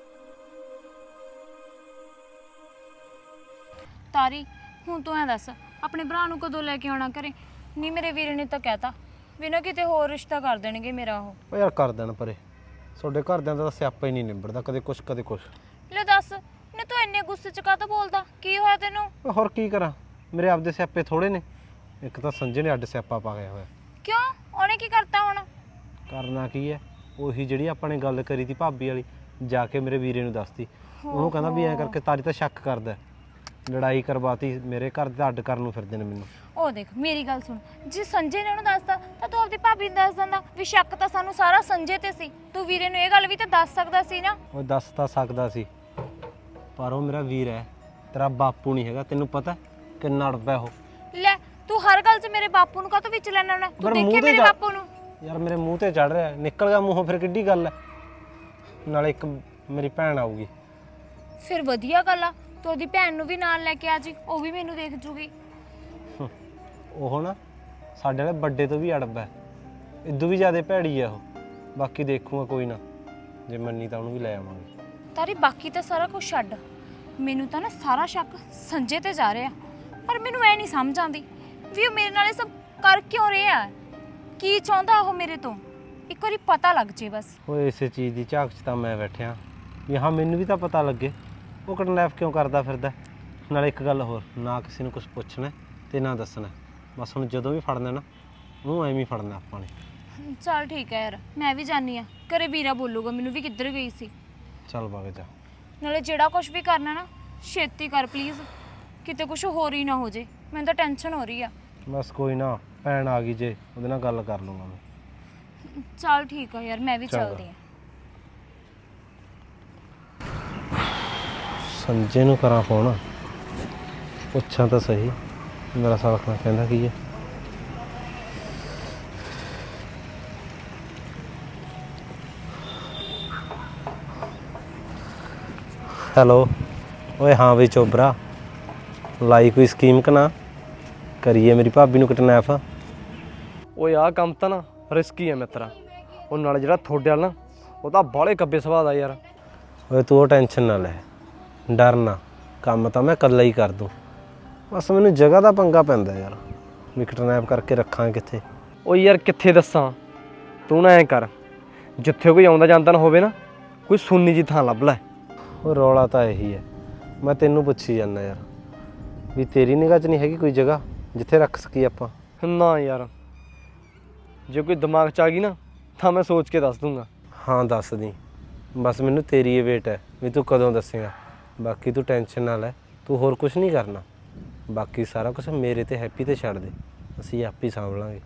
[SPEAKER 4] ਤਾਰੀ ਹੁਣ ਤੂੰ ਐ ਦੱਸ, ਆਪਣੇ ਭਰਾ ਨੂੰ ਕਦੋਂ ਲੈ ਕੇ ਆਉਣਾ ਘਰੇ? ਨਹੀਂ ਮੇਰੇ ਵੀਰੇ ਨੇ ਤਾਂ ਕਹਿਤਾ ਵੀ ਨਾ ਕਿਤੇ ਹੋਰ ਰਿਸ਼ਤਾ ਕਰ ਦੇਣਗੇ ਮੇਰਾ। ਉਹ
[SPEAKER 5] ਯਾਰ ਕਰ ਦੇਣ ਪਰੇ, ਤੁਹਾਡੇ ਘਰਦਿਆਂ ਦਾ ਤਾਂ ਸਿਆਪਾ ਹੀ ਨਹੀਂ ਨਿਬੜਦਾ, ਕਦੇ ਕੁਛ ਕਦੇ ਕੁਛ।
[SPEAKER 4] ਲੈ ਦੱਸ ਨਾ, ਤੂੰ ਇੰਨੇ ਗੁੱਸੇ ਚ ਕਾਹਤੋਂ ਬੋਲਦਾ? ਕੀ ਹੋਇਆ ਤੈਨੂੰ?
[SPEAKER 5] ਹੋਰ ਕੀ ਕਰਾਂ, ਮੇਰੇ ਆਪਦੇ ਸਿਆਪੇ ਥੋੜੇ ਨੇ। ਇੱਕ ਤਾਂ ਸੰਜੇ ਨੇ ਅੱਡ ਸਿਆਪਾ ਪਾ ਗਿਆ ਹੋਇਆ।
[SPEAKER 4] ਕਿਉਂ? ਉਹਨੇ ਕੀ ਕਰਤਾ ਹੁਣ?
[SPEAKER 5] ਕਰਨਾ ਕੀ ਹੈ, ਉਹੀ ਜਿਹੜੀ ਆਪਾਂ ਨੇ ਗੱਲ ਕਰੀ ਤੀ ਭਾਬੀ ਵਾਲੀ, ਜਾ ਕੇ ਮੇਰੇ ਵੀਰੇ ਨੂੰ ਦੱਸਤੀ। ਉਹਨੂੰ ਕਹਿੰਦਾ ਵੀ ਐਂ ਕਰਕੇ ਤਾਰੀ ਤਾਂ ਸ਼ੱਕ ਕਰਦਾ, ਲੜਾਈ ਕਰਵਾਤੀ ਮੇਰੇ ਘਰ ਦੇ, ਅੱਡ ਕਰਨ ਨੂੰ ਫਿਰਦੇ ਨੇ ਮੈਨੂੰ।
[SPEAKER 4] ਉਹ ਦੇਖ ਮੇਰੀ ਗੱਲ ਸੁਣ, ਜੇ ਸੰਜੇ ਨੇ ਉਹਨੂੰ ਦੱਸਤਾ ਤਾਂ ਤੂੰ ਆਪਣੀ ਭਾਬੀ ਨੂੰ ਦੱਸ ਦਿੰਦਾ ਵੀ ਸ਼ੱਕ ਤਾਂ ਸਾਨੂੰ ਸਾਰਾ ਸੰਜੇ ਤੇ ਸੀ। ਤੂੰ ਵੀਰੇ ਨੂੰ ਇਹ ਗੱਲ ਵੀ ਤਾਂ ਦੱਸ ਸਕਦਾ ਸੀ ਨਾ।
[SPEAKER 5] ਉਹ ਦੱਸ ਤਾਂ ਸਕਦਾ ਸੀ, ਪਰ ਉਹ ਮੇਰਾ ਵੀਰ ਹੈ, ਤੇਰਾ ਬਾਪੂ ਨਹੀਂ ਹੈਗਾ। ਤੈਨੂੰ ਪਤਾ ਕਿੰਨਾ ਅੜਬਾ ਉਹ।
[SPEAKER 4] ਲੈ ਤੂੰ ਹਰ ਗੱਲ 'ਚ ਮੇਰੇ ਬਾਪੂ ਨੂੰ ਕਾਹਤੋਂ ਵਿੱਚ ਲੈਣਾ ਹੁੰਦਾ? ਤੂੰ ਦੇਖੇ ਮੇਰੇ ਬਾਪੂ ਨੂੰ?
[SPEAKER 5] ਯਾਰ ਮੇਰੇ ਮੂੰਹ ਤੇ ਚੜ ਰਿਹਾ, ਨਿਕਲ ਗਿਆ ਮੂੰਹੋਂ, ਫਿਰ ਕਿੱਡੀ ਗੱਲ ਹੈ। ਨਾਲੇ ਇੱਕ ਮੇਰੀ ਭੈਣ ਆਊਗੀ,
[SPEAKER 4] ਫਿਰ ਵਧੀਆ ਗੱਲ ਆ, ਤੂੰ ਉਹਦੀ ਭੈਣ ਨੂੰ ਵੀ ਨਾਲ ਲੈ ਕੇ ਆ ਜੀ, ਉਹ ਵੀ ਮੈਨੂੰ ਦੇਖ ਜੂਗੀ।
[SPEAKER 6] ਉਹ ਨਾ ਸਾਡੇ ਵਾਲੇ ਵੱਡੇ ਤੋਂ ਵੀ ਅੜਬ ਹੈ, ਇਦੋਂ ਵੀ ਜ਼ਿਆਦਾ ਭੈੜੀ ਆ ਉਹ। ਬਾਕੀ ਦੇਖੂਗਾ ਕੋਈ ਨਾ, ਜੇ ਮੰਨੀ ਤਾਂ ਉਹਨੂੰ ਵੀ ਲੈ ਆਵਾਂਗੇ।
[SPEAKER 4] ਤਾਰੀ ਬਾਕੀ ਤਾਂ ਸਾਰਾ ਕੁਝ ਛੱਡ, ਮੈਨੂੰ ਤਾਂ ਨਾ ਸਾਰਾ ਸ਼ੱਕ ਸੰਜੇ ਤੇ ਜਾ ਰਿਹਾ, ਪਰ ਮੈਨੂੰ ਐ ਨਹੀਂ ਸਮਝ ਆਉਂਦੀ ਵੀ ਉਹ ਮੇਰੇ ਨਾਲ ਇਹ ਸਭ ਕਰ ਕਿਉਂ ਰਿਹਾ, ਕੀ ਚਾਹੁੰਦਾ ਉਹ ਮੇਰੇ ਤੋਂ। ਇੱਕ ਵਾਰੀ ਪਤਾ ਲੱਗ ਜੇ ਬਸ।
[SPEAKER 6] ਓਏ ਇਸੇ ਚੀਜ਼ ਦੀ ਝਾਕ 'ਚ ਤਾਂ ਮੈਂ ਬੈਠਿਆ ਵੀ ਹਾਂ ਮੈਨੂੰ ਵੀ ਤਾਂ ਪਤਾ ਲੱਗੇ ਉਹ ਕਿਡਨੈਪ ਕਿਉਂ ਕਰਦਾ ਫਿਰਦਾ। ਨਾਲੇ ਇੱਕ ਗੱਲ ਹੋਰ, ਨਾ ਕਿਸੇ ਨੂੰ ਕੁਝ ਪੁੱਛਣਾ ਤੇ ਨਾ ਦੱਸਣਾ, ਬਸ ਹੁਣ ਜਦੋਂ ਵੀ ਫੜਨਾ ਨਾ ਉਹਨੂੰ ਐਵੇਂ ਹੀ ਫੜਨਾ ਆਪਾਂ ਨੇ।
[SPEAKER 4] ਚੱਲ ਠੀਕ ਹੈ ਯਾਰ, ਮੈਂ ਵੀ ਜਾਣੀ ਆ, ਘਰੇ ਵੀਰਾ ਬੋਲੂਗਾ ਮੈਨੂੰ ਵੀ ਕਿੱਧਰ ਗਈ ਸੀ।
[SPEAKER 6] ਚੱਲ ਵਗ ਜਾ।
[SPEAKER 4] ਨਾਲੇ ਜਿਹੜਾ ਕੁਝ ਵੀ ਕਰਨਾ ਨਾ ਛੇਤੀ ਕਰ ਪਲੀਜ਼, ਕਿਤੇ ਕੁਝ ਹੋਰ ਹੀ ਨਾ ਹੋ ਜੇ, ਮੈਨੂੰ ਤਾਂ ਟੈਨਸ਼ਨ ਹੋ ਰਹੀ ਆ।
[SPEAKER 6] ਬਸ ਕੋਈ ਨਾ, ਭੈਣ ਆ ਗਈ ਜੇ ਉਹਦੇ ਨਾਲ ਗੱਲ ਕਰ ਲੂੰਗਾ ਮੈਂ।
[SPEAKER 4] ਚੱਲ ਠੀਕ ਆ ਯਾਰ, ਮੈਂ ਵੀ
[SPEAKER 6] ਚੰਗਾ।
[SPEAKER 4] ਚੱਲਦੀ ਆ।
[SPEAKER 6] ਸੰਜੇ ਨੂੰ ਕਰਾਂ ਫੋਨ, ਪੁੱਛਾਂ ਤਾਂ ਸਹੀ ਮੇਰਾ ਸਾਲਖਣਾ ਕਹਿੰਦਾ ਕੀ ਹੈ। ਹੈਲੋ, ਓਏ ਹਾਂ ਵੀ ਚੋਬਰਾ, ਲਾਈ ਕੋਈ ਸਕੀਮ ਕਿ ਨਾ ਕਰੀਏ ਮੇਰੀ ਭਾਬੀ ਨੂੰ ਕਿਡਨੈਪ।
[SPEAKER 5] ਓਏ ਆਹ ਕੰਮ ਤਾਂ ਨਾ ਰਿਸਕੀ ਹੈ ਮਿੱਤਰਾ, ਉਹ ਨਾਲ ਜਿਹੜਾ ਤੁਹਾਡੇ ਵਾਲਾ ਨਾ ਉਹ ਤਾਂ ਬਾਹਲੇ ਕੱਬੇ ਸੁਭਾਅ ਦਾ ਯਾਰ।
[SPEAKER 6] ਓਏ ਤੂੰ ਉਹ ਟੈਨਸ਼ਨ ਨਾ ਲੈ, ਡਰ ਨਾ, ਕੰਮ ਤਾਂ ਮੈਂ ਇਕੱਲਾ ਹੀ ਕਰ ਦੂੰ। ਬਸ ਮੈਨੂੰ ਜਗ੍ਹਾ ਦਾ ਪੰਗਾ ਪੈਂਦਾ ਯਾਰ, ਵੀ ਕਿਡਨੈਪ ਕਰਕੇ ਰੱਖਾਂ ਕਿੱਥੇ।
[SPEAKER 5] ਓ ਯਾਰ ਕਿੱਥੇ ਦੱਸਾਂ, ਤੂੰ ਨਾ ਐਂ ਕਰ, ਜਿੱਥੇ ਕੋਈ ਆਉਂਦਾ ਜਾਂਦਾ ਨਾ ਹੋਵੇ ਨਾ, ਕੋਈ ਸੁੰਨੀ ਜੀ ਥਾਂ ਲੱਭ ਲੈ।
[SPEAKER 6] ਉਹ ਰੌਲਾ ਤਾਂ ਇਹੀ ਹੈ, ਮੈਂ ਤੈਨੂੰ ਪੁੱਛੀ ਜਾਂਦਾ ਯਾਰ ਵੀ ਤੇਰੀ ਨਿਗਾਹ 'ਚ ਨਹੀਂ ਹੈਗੀ ਕੋਈ ਜਗ੍ਹਾ ਜਿੱਥੇ ਰੱਖ ਸਕੀਏ ਆਪਾਂ।
[SPEAKER 5] ਨਾ ਯਾਰ, ਜੇ ਕੋਈ ਦਿਮਾਗ 'ਚ ਆ ਗਈ ਨਾ ਤਾਂ ਮੈਂ ਸੋਚ ਕੇ ਦੱਸ ਦੂੰਗਾ।
[SPEAKER 6] ਹਾਂ ਦੱਸ ਦੀ, ਬਸ ਮੈਨੂੰ ਤੇਰੀ ਇਹ ਵੇਟ ਹੈ ਵੀ ਤੂੰ ਕਦੋਂ ਦੱਸੇਗਾ। ਬਾਕੀ ਤੂੰ ਟੈਨਸ਼ਨ ਨਾ ਲੈ, ਤੂੰ ਹੋਰ ਕੁਝ ਨਹੀਂ ਕਰਨਾ, ਬਾਕੀ ਸਾਰਾ ਕੁਝ ਮੇਰੇ ਤੇ ਹੈਪੀ ਤੇ ਛੱਡ ਦੇ, ਅਸੀਂ ਆਪੇ ਹੀ ਸਾਂਭ ਲਾਂਗੇ।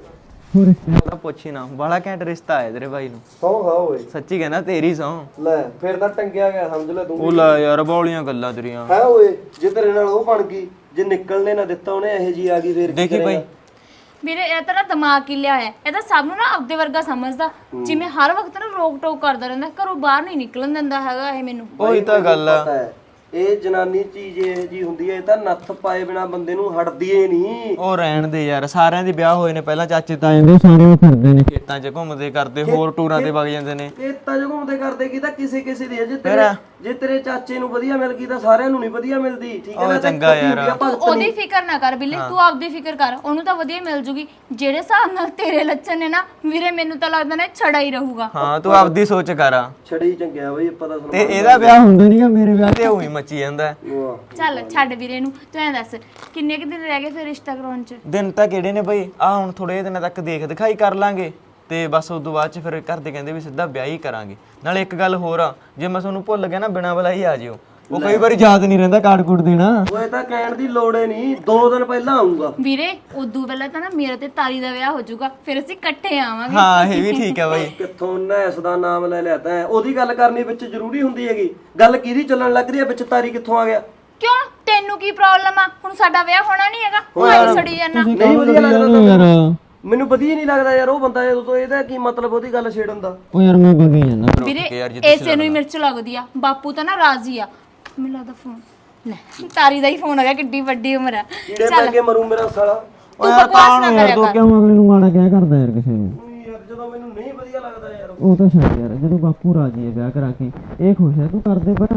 [SPEAKER 7] ਤਾਂ ਪੁੱਛੀ ਨਾ, ਬੜਾ ਘੈਂਟ ਰਿਸ਼ਤਾ ਹੈ ਤੇਰੇ ਭਾਈ ਨੂੰ।
[SPEAKER 3] ਸੌਂ ਖਾ ਓਏ,
[SPEAKER 7] ਸੱਚੀ ਕਹਿਣਾ, ਤੇਰੀ ਸਹੁੰ।
[SPEAKER 3] ਲੈ ਫਿਰ ਤਾਂ ਟੰਗਿਆ ਗਿਆ ਸਮਝ ਲੈ ਤੂੰ।
[SPEAKER 7] ਉਹ ਲੈ ਯਾਰ, ਬੌਲੀਆਂ ਗੱਲਾਂ ਤੇਰੀਆਂ।
[SPEAKER 3] ਹੈ ਓਏ, ਜੇ ਤੇਰੇ ਨਾਲ ਉਹ ਬਣ ਗਈ, ਜੇ ਨਿਕਲਣੇ ਨਾ ਦਿੱਤਾ ਉਹਨੇ ਇਹੋ ਜੀ ਆ ਗਈ ਫੇਰ ਕੀ
[SPEAKER 7] ਦੇਖੀ
[SPEAKER 3] ਕਰੇਗਾ?
[SPEAKER 7] ਭਾਈ,
[SPEAKER 4] ਮੇਰੇ ਇਹ ਤਾਂ ਨਾ ਦਿਮਾਗ ਹੀ ਲਿਆ ਹੋਇਆ, ਇਹ ਤਾਂ ਸਭ ਨੂੰ ਨਾ ਆਪਦੇ ਵਰਗਾ ਸਮਝਦਾ, ਜਿਵੇਂ ਹਰ ਵਕਤ ਨਾ ਰੋਕ ਟੋਕ ਕਰਦਾ ਰਹਿੰਦਾ, ਘਰੋਂ ਬਾਹਰ ਨਹੀਂ ਨਿਕਲਣ ਦਿੰਦਾ ਹੈਗਾ ਇਹ ਮੈਨੂੰ।
[SPEAKER 7] ਉਹੀ ਤਾਂ ਗੱਲ ਆ।
[SPEAKER 3] ਪਤਾ ਹੈ, ਇਹ ਜਨਾਨੀ ਚੀਜ਼ ਇਹ ਜੀ ਹੁੰਦੀ ਹੈ, ਇਹ ਤਾਂ ਨੱਥ ਪਾਏ ਬਿਨਾ ਬੰਦੇ ਨੂੰ ਹਟਦੀ ਏ ਨਹੀਂ।
[SPEAKER 7] ਉਹ ਰਹਿਣ ਦੇ ਯਾਰ, ਸਾਰਿਆਂ ਦੇ ਵਿਆਹ ਹੋਏ ਨੇ ਪਹਿਲਾਂ, ਚਾਚੇ ਤਾਏ ਦੇ ਸਾਰੇ ਉਹ ਫਿਰਦੇ ਨੇ ਖੇਤਾਂ 'ਚ ਘੁੰਮਦੇ ਕਰਦੇ, ਹੋਰ ਟੂਰਾਂ ਤੇ ਵਗ ਜਾਂਦੇ ਨੇ।
[SPEAKER 3] ਇਹ ਤਾਂ ਜੋ ਘੁੰਮਦੇ ਕਰਦੇ ਕੀ ਤਾਂ ਕਿਸੇ ਕਿਸੇ ਦੀ ਹੈ, ਜੇ ਤੇਰੇ ਚਾਚੇ ਨੂੰ ਵਧੀਆ ਮਿਲ ਗਈ ਤਾਂ ਸਾਰਿਆਂ ਨੂੰ ਨਹੀਂ ਵਧੀਆ ਮਿਲਦੀ, ਠੀਕ ਹੈ ਨਾ?
[SPEAKER 7] ਚੰਗਾ ਯਾਰ,
[SPEAKER 4] ਤੂੰ ਉਹਦੀ ਫਿਕਰ ਨਾ ਕਰ ਬਿੱਲੀ, ਤੂੰ ਆਪਦੀ ਫਿਕਰ ਕਰ, ਉਹਨੂੰ ਤਾਂ ਵਧੀਆ ਮਿਲ ਜੂਗੀ। ਜਿਹੜੇ ਹਿਸਾਬ ਨਾਲ ਤੇਰੇ ਲੱਛਣ ਨੇ ਨਾ ਵੀਰੇ, ਮੈਨੂੰ ਤਾਂ ਲੱਗਦਾ ਨਾ ਛੜਾ ਹੀ ਰਹੂਗਾ।
[SPEAKER 7] ਹਾਂ ਤੂੰ ਆਪਦੀ ਸੋਚ ਕਰ,
[SPEAKER 3] ਛੜੀ ਚੰਗਿਆ ਬਈ, ਪਤਾ ਸੁਣ।
[SPEAKER 7] ਤੇ ਇਹਦਾ ਵਿਆਹ ਹੁੰਦਾ ਨਹੀਂਗਾ, ਮੇਰੇ ਵਿਆਹ ਤੇ ਉਹੀ ਮੱਚੀ ਜਾਂਦਾ।
[SPEAKER 4] ਚੱਲ ਛੱਡ ਵੀਰੇ ਨੂੰ, ਤੂੰ ਐਂ ਦੱਸ ਕਿੰਨੇ ਕੁ ਦਿਨ ਰਹਿ ਗਏ ਫਿਰ ਰਿਸ਼ਤਾ ਕਰਾਉਣ 'ਚ?
[SPEAKER 7] ਦਿਨ ਤਾਂ ਕਿਹੜੇ ਨੇ ਬਈ, ਆ ਹੁਣ ਥੋੜੇ ਦਿਨਾਂ ਤੱਕ ਦੇਖ ਦਿਖਾਈ ਕਰ ਲਾਂਗੇ, ਤੇ ਬਸ ਉਸ ਤੋਂ ਬਾਅਦ 'ਚ ਫਿਰ ਘਰ ਦੇ ਕਹਿੰਦੇ ਵੀ ਸਿੱਧਾ ਵਿਆਹ ਹੀ ਕਰਾਂਗੇ। ਨਾਲੇ ਇੱਕ ਗੱਲ ਹੋਰ ਆ, ਜੇ ਮੈਂ ਤੁਹਾਨੂੰ ਭੁੱਲ ਗਿਆ ਨਾ, ਬਿਨਾਂ ਬੁਲਾਈ ਆ ਜਿਓ, ਉਹ ਕਈ ਵਾਰੀ ਯਾਦ ਨਹੀਂ ਰਹਿੰਦਾ ਕਾਰਡ ਕੂਡ ਦੇਣਾ।
[SPEAKER 3] ਓਏ ਤਾਂ ਕਹਿਣ ਦੀ ਲੋੜ ਏ ਨਹੀਂ, 2 ਦਿਨ ਪਹਿਲਾਂ ਆਉਂਗਾ
[SPEAKER 4] ਵੀਰੇ ਉਦੋਂ ਪਹਿਲਾਂ ਤਾਂ ਨਾ ਮੇਰੇ ਤੇ ਤਾਰੀ ਦਾ ਵਿਆਹ ਹੋ ਜਾਊਗਾ, ਫਿਰ ਅਸੀਂ ਇਕੱਠੇ ਆਵਾਂਗੇ।
[SPEAKER 7] ਹਾਂ ਇਹ ਵੀ ਠੀਕ ਹੈ ਬਾਈ।
[SPEAKER 3] ਕਿੱਥੋਂ ਨੈਸ ਦਾ ਨਾਮ ਲੈ ਲਿਆ ਤੈਂ? ਉਹਦੀ ਗੱਲ ਕਰਨੀ ਵਿੱਚ ਜ਼ਰੂਰੀ ਹੁੰਦੀ ਹੈਗੀ, ਗੱਲ ਕਿਹਦੀ ਚੱਲਣ ਲੱਗ ਰਹੀ ਹੈ ਵਿੱਚ, ਤਾਰੀ ਕਿੱਥੋਂ ਆ ਗਿਆ?
[SPEAKER 4] ਕਿਉਂ, ਤੈਨੂੰ ਕੀ ਪ੍ਰੋਬਲਮ ਆ? ਹੁਣ ਸਾਡਾ ਵਿਆਹ ਹੋਣਾ ਨਹੀਂ ਹੈਗਾ, ਭਾਈ ਸੜੀ ਜਾਨਾ।
[SPEAKER 3] ਨਹੀਂ ਵਧੀਆ ਲੱਗਦਾ ਤਾਂ ਮੈਨੂੰ ਵਧੀਆ ਨਹੀਂ ਲੱਗਦਾ ਯਾਰ ਉਹ ਬੰਦਾ, ਉਦੋਂ ਇਹਦਾ ਕੀ ਮਤਲਬ ਉਹਦੀ ਗੱਲ ਛੇੜਨ ਦਾ?
[SPEAKER 7] ਉਹ ਯਾਰ ਮੈਂ ਬਗੀ ਜਾਂਦਾ
[SPEAKER 4] ਵੀਰੇ ਐਸੇ ਨੂੰ ਹੀ ਮਿਰਚ ਲੱਗਦੀ ਆ, ਬਾਪੂ ਤਾਂ ਨਾ ਰਾਜ਼ੀ ਆ। ਮੈਨੂੰ ਲੱਗਦਾ ਫੋਨ ਲੈ, ਤਾਰੀ ਦਾ ਹੀ ਫੋਨ ਹੈਗਾ, ਕਿੱਡੀ ਵੱਡੀ ਉਮਰ ਆ।
[SPEAKER 3] ਕੀੜੇ ਪੈ ਕੇ ਮਰੂ ਮੇਰਾ ਸਾਲਾ।
[SPEAKER 4] ਤੂੰ ਬਕਵਾਸ ਨਾ ਕਰਿਆ ਕਰ।
[SPEAKER 7] ਕਿਉਂ ਅਗਲੇ ਨੂੰ ਮਾੜਾ ਕਹਿ ਕਰਦਾ ਯਾਰ ਕਿਸੇ ਨੂੰ?
[SPEAKER 3] ਯਾਰ ਜਦੋਂ ਮੈਨੂੰ ਨਹੀਂ ਵਧੀਆ ਲੱਗਦਾ ਯਾਰ,
[SPEAKER 7] ਉਹ ਤਾਂ ਛੱਡ ਯਾਰ, ਜਦੋਂ ਬਾਪੂ ਰਾਜੀ ਹੈ ਵਿਆਹ ਕਰਾ ਕੇ, ਇਹ ਖੁਸ਼ ਹੈ, ਤੂੰ ਕਰਦੇ ਪਰ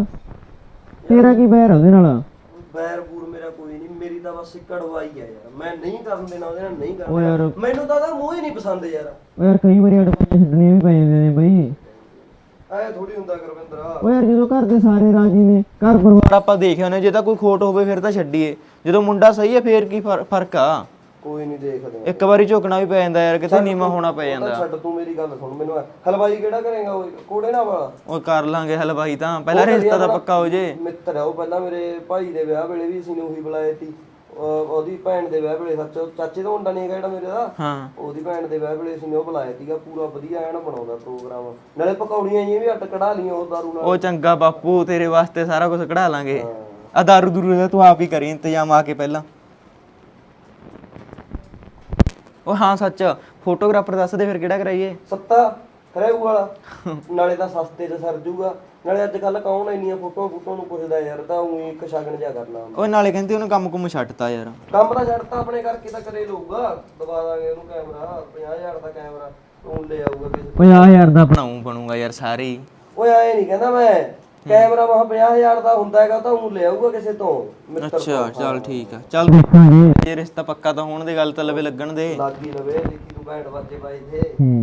[SPEAKER 7] ਤੇਰਾ ਕੀ ਬੈਰ ਉਹਦੇ ਨਾਲ?
[SPEAKER 3] ਬੈਰ ਬੂਰ ਮੇਰਾ ਕੋਈ ਨਹੀਂ, ਮੇਰੀ ਤਾਂ ਬਸ ਕੜਵਾਈ ਆ ਯਾਰ, ਮੈਂ ਨਹੀਂ ਕਰਨ ਦੇਣਾ ਉਹਦੇ ਨਾਲ, ਨਹੀਂ
[SPEAKER 7] ਉਹ ਯਾਰ
[SPEAKER 3] ਕਰਨਾ। ਮੈਨੂੰ ਤਾਂ ਉਹਦਾ ਮੂੰਹ ਹੀ ਨਹੀਂ ਪਸੰਦ ਯਾਰ।
[SPEAKER 7] ਉਹ ਯਾਰ ਕਈ ਵਾਰੀ ਅਡਵਾਈਸ ਛੱਡਣੀਆਂ ਵੀ ਪੈ ਜਾਂਦੇ ਨੇ ਬਈ।
[SPEAKER 3] ਐ ਥੋੜੀ ਹੁੰਦਾ ਗੁਰਵਿੰਦਰਾ।
[SPEAKER 7] ਉਹ ਯਾਰ ਜਦੋਂ ਘਰ ਦੇ ਸਾਰੇ ਰਾਜੀ ਨੇ, ਘਰ ਪਰਿਵਾਰ ਆਪਾਂ ਦੇਖਿਆ ਉਹਨੇ, ਜੇ ਤਾਂ ਕੋਈ ਖੋਟ ਹੋਵੇ ਫਿਰ ਤਾਂ ਛੱਡੀਏ, ਜਦੋਂ ਮੁੰਡਾ ਸਹੀ ਹੈ ਫੇਰ ਕੀ ਫਰਕ ਆ?
[SPEAKER 3] ਕੋਈ ਨਹੀਂ ਦੇਖਦੇ,
[SPEAKER 7] ਇੱਕ ਵਾਰੀ ਝੁਕਣਾ ਵੀ ਪੈ ਜਾਂਦਾ ਯਾਰ, ਕਿਤੇ ਨੀਵਾਂ ਹੋਣਾ ਪੈ ਜਾਂਦਾ।
[SPEAKER 3] ਛੱਡ ਤੂੰ ਮੇਰੀ ਗੱਲ ਸੁਣ, ਮੈਨੂੰ ਹਲਵਾਈ ਕਿਹੜਾ ਕਰੇਗਾ? ਉਹ ਕੋੜੇ ਨਾਲ ਵਾਲਾ।
[SPEAKER 7] ਉਹ ਕਰ ਲਾਂਗੇ ਹਲਵਾਈ ਤਾਂ, ਪਹਿਲਾਂ ਰਿਸ਼ਤਾ ਤਾਂ ਪੱਕਾ ਹੋ ਜੇ।
[SPEAKER 3] ਮਿੱਤਰ ਆ ਉਹ, ਪਹਿਲਾਂ ਮੇਰੇ ਭਾਈ ਦੇ ਵਿਆਹ ਵੇਲੇ ਵੀ ਅਸੀਂ ਨੇ ਉਹੀ ਬੁਲਾਏ ਸੀ, ਉਹਦੀ ਭੈਣ ਦੇ ਵਿਆਹ ਵੇਲੇ, ਸੱਚ ਚਾਚੇ ਦਾ ਮੁੰਡਾ ਨਹੀਂ ਹੈਗਾ ਜਿਹੜਾ ਮੇਰੇ ਦਾ,
[SPEAKER 7] ਹਾਂ
[SPEAKER 3] ਉਹਦੀ ਭੈਣ ਦੇ ਵਿਆਹ ਵੇਲੇ ਅਸੀਂ ਨੇ ਉਹ ਬੁਲਾਇਆ ਸੀਗਾ, ਪੂਰਾ ਵਧੀਆ ਐਨ ਬਣਾਉਂਦਾ ਪ੍ਰੋਗਰਾਮ, ਨਾਲੇ ਪਕੌੜੀਆਂ ਜਿਹੀਆਂ ਵੀ ਅੱਟ ਕਢਾ ਲੀਆਂ ਉਹ ਦਾਰੂ ਨਾਲ।
[SPEAKER 7] ਉਹ ਚੰਗਾ ਬਾਪੂ, ਤੇਰੇ ਵਾਸਤੇ ਸਾਰਾ ਕੁਝ ਕਢਾ ਲਾਂਗੇ। ਆ ਦਾਰੂ ਦੂਰੂ ਦਾ ਤੂੰ ਆਪ ਹੀ ਕਰੀ ਇੰਤਜ਼ਾਮ ਆ ਕੇ ਪਹਿਲਾਂ। ਉਹ ਹਾਂ ਸੱਚ, ਫੋਟੋਗ੍ਰਾਫਰ ਦੱਸ ਦੇ ਫਿਰ ਕਿਹੜਾ ਕਰਾਈਏ?
[SPEAKER 3] ਸੱਤਾ
[SPEAKER 1] ਖਰੇਊ ਵਾਲਾ ਨਾਲੇ ਤਾਂ ਸਸਤੇ 'ਚ ਸਰ ਜੂਗਾ ਨਾਲੇ ਅੱਜ ਕੱਲ ਕੌਣ ਇੰਨੀਆਂ ਫੋਟੋਆਂ ਨੂੰ ਪੁੱਛਦਾ ਯਾਰ ਤਾਂ ਉਹੀ ਇੱਕ ਸ਼ਗਨ ਜਿਹਾ ਕਰਨਾ
[SPEAKER 7] ਓਏ ਨਾਲੇ ਕਹਿੰਦੇ ਉਹਨੇ ਕੰਮ ਕੁਮ ਛੱਡਤਾ ਯਾਰ।
[SPEAKER 1] ਕੰਮ ਤਾਂ ਛੱਡਤਾ ਆਪਣੇ ਕਰਕੇ ਤਾਂ ਕਰੇ ਲਊਗਾ ਦਵਾ ਦਾਂਗੇ ਉਹਨੂੰ ਕੈਮਰਾ 50,000 ਦਾ ਕੈਮਰਾ ਉਹ ਲੈ ਆਊਗਾ ਕਿਸੇ
[SPEAKER 7] 50,000 ਦਾ ਬਣੂਗਾ ਯਾਰ ਸਾਰੇ ਹੀ।
[SPEAKER 1] ਓਏ ਆਏ ਨਹੀਂ ਕਹਿੰਦਾ ਮੈਂ ਕੈਮਰਾ ਮਹਾ 50,000 ਦਾ ਹੁੰਦਾ ਹੈਗਾ ਤਾਂ ਉਹ ਲੈ ਆਊਗਾ ਕਿਸੇ ਤੋਂ ਮਿੱਤਰ ਤੋਂ।
[SPEAKER 7] ਅੱਛਾ ਚੱਲ ਠੀਕ ਆ, ਚੱਲ ਦੇਖਾਂਗੇ ਜੇ ਰਿਸ਼ਤਾ ਪੱਕਾ ਤਾਂ ਹੋਣ ਦੀ ਗੱਲ ਤਾਂ ਲਵੇ ਲੱਗਣ ਦੇ।
[SPEAKER 1] ਲਾਗੀ ਲਵੇ ਦੇਖੀ ਤੂੰ ਬੈਠ ਵੱਜੇ ਬਾਈ ਦੇ।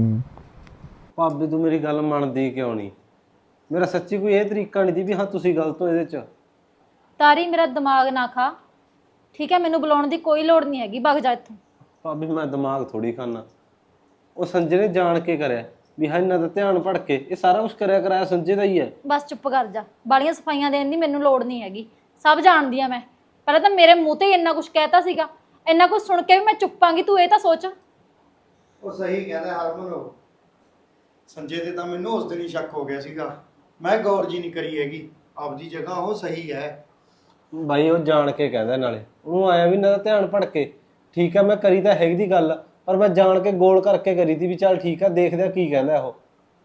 [SPEAKER 6] ਭਾਬੀ ਤੂੰ ਮੇਰੀ ਗੱਲ ਮੰਨਦੀ ਕਿਉਂ ਨਹੀਂ? ਮੇਰਾ ਸੱਚੀ ਕੋਈ ਇਹ ਤਰੀਕਾ ਨਹੀਂ ਦੀ ਵੀ ਹਾਂ ਤੁਸੀਂ ਗਲਤ ਹੋ ਇਹਦੇ 'ਚ।
[SPEAKER 2] ਤਾਰੀ ਮੇਰਾ ਦਿਮਾਗ ਨਾ ਖਾ, ਠੀਕ ਹੈ? ਮੈਨੂੰ ਬੁਲਾਉਣ ਦੀ ਕੋਈ ਲੋੜ ਨਹੀਂ ਹੈਗੀ, ਭੱਗ ਜਾ ਇੱਥੋਂ।
[SPEAKER 6] ਭਾਬੀ ਮੈਂ ਦਿਮਾਗ ਥੋੜੀ ਖਾਨਾ, ਉਹ ਸੰਜੇ ਨੇ ਜਾਣ ਕੇ ਕਰਿਆ ਵੀ ਹਾਂ ਇਹਨਾਂ ਦਾ ਧਿਆਨ ਭੜਕੇ। ਇਹ ਸਾਰਾ ਕੁਝ ਕਰਿਆ ਕਰਾਇਆ ਸੰਜੇ ਦਾ ਹੀ ਹੈ।
[SPEAKER 2] ਬਸ ਚੁੱਪ ਕਰ ਜਾ, ਬਾਲੀਆਂ ਸਫਾਈਆਂ ਦੇਣ ਦੀ ਮੈਨੂੰ ਲੋੜ ਨਹੀਂ ਹੈਗੀ, ਸਭ ਜਾਣਦੀ ਆ ਮੈਂ। ਪਹਿਲਾਂ ਤਾਂ ਮੇਰੇ ਮੂੰਹ ਤੇ ਹੀ ਇੰਨਾ ਕੁਝ ਕਹਿਤਾ ਸੀਗਾ, ਇੰਨਾ ਕੁਝ ਸੁਣ ਕੇ ਵੀ ਮੈਂ ਚੁੱਪਾਂਗੀ? ਤੂੰ ਇਹ ਤਾਂ ਸੋਚ।
[SPEAKER 3] ਉਹ ਸਹੀ ਕਹਿੰਦਾ ਹਰਮਨ, ਉਹ ਸੰਜੇ ਦੇ ਤਾਂ ਮੈਨੂੰ ਉਸ ਦਿਨ ਹੀ ਸ਼ੱਕ ਹੋ ਗਿਆ ਸੀਗਾ। ਮੈਂ ਗੌਰ ਜੀ ਨਹੀਂ ਕਰੀ ਹੈਗੀ, ਆਪਦੀ ਜਗ੍ਹਾ ਉਹ ਸਹੀ ਹੈ।
[SPEAKER 6] ਬਾਈ ਉਹ ਜਾਣ ਕੇ ਕਹਿੰਦਾ, ਨਾਲੇ ਉਹਨੂੰ ਆਇਆ ਵੀ ਇਹਨਾਂ ਦਾ ਧਿਆਨ ਭੜਕੇ। ਠੀਕ ਆ ਮੈਂ ਕਰੀ ਤਾਂ ਹੈਗੀ ਦੀ ਗੱਲ, ਪਰ ਮੈਂ ਜਾਣ ਕੇ ਗੋਲ ਕਰਕੇ ਕਰੀ ਤੀ ਵੀ ਚੱਲ ਠੀਕ ਆ ਦੇਖਦੇ ਆ ਕੀ ਕਹਿੰਦਾ ਉਹ।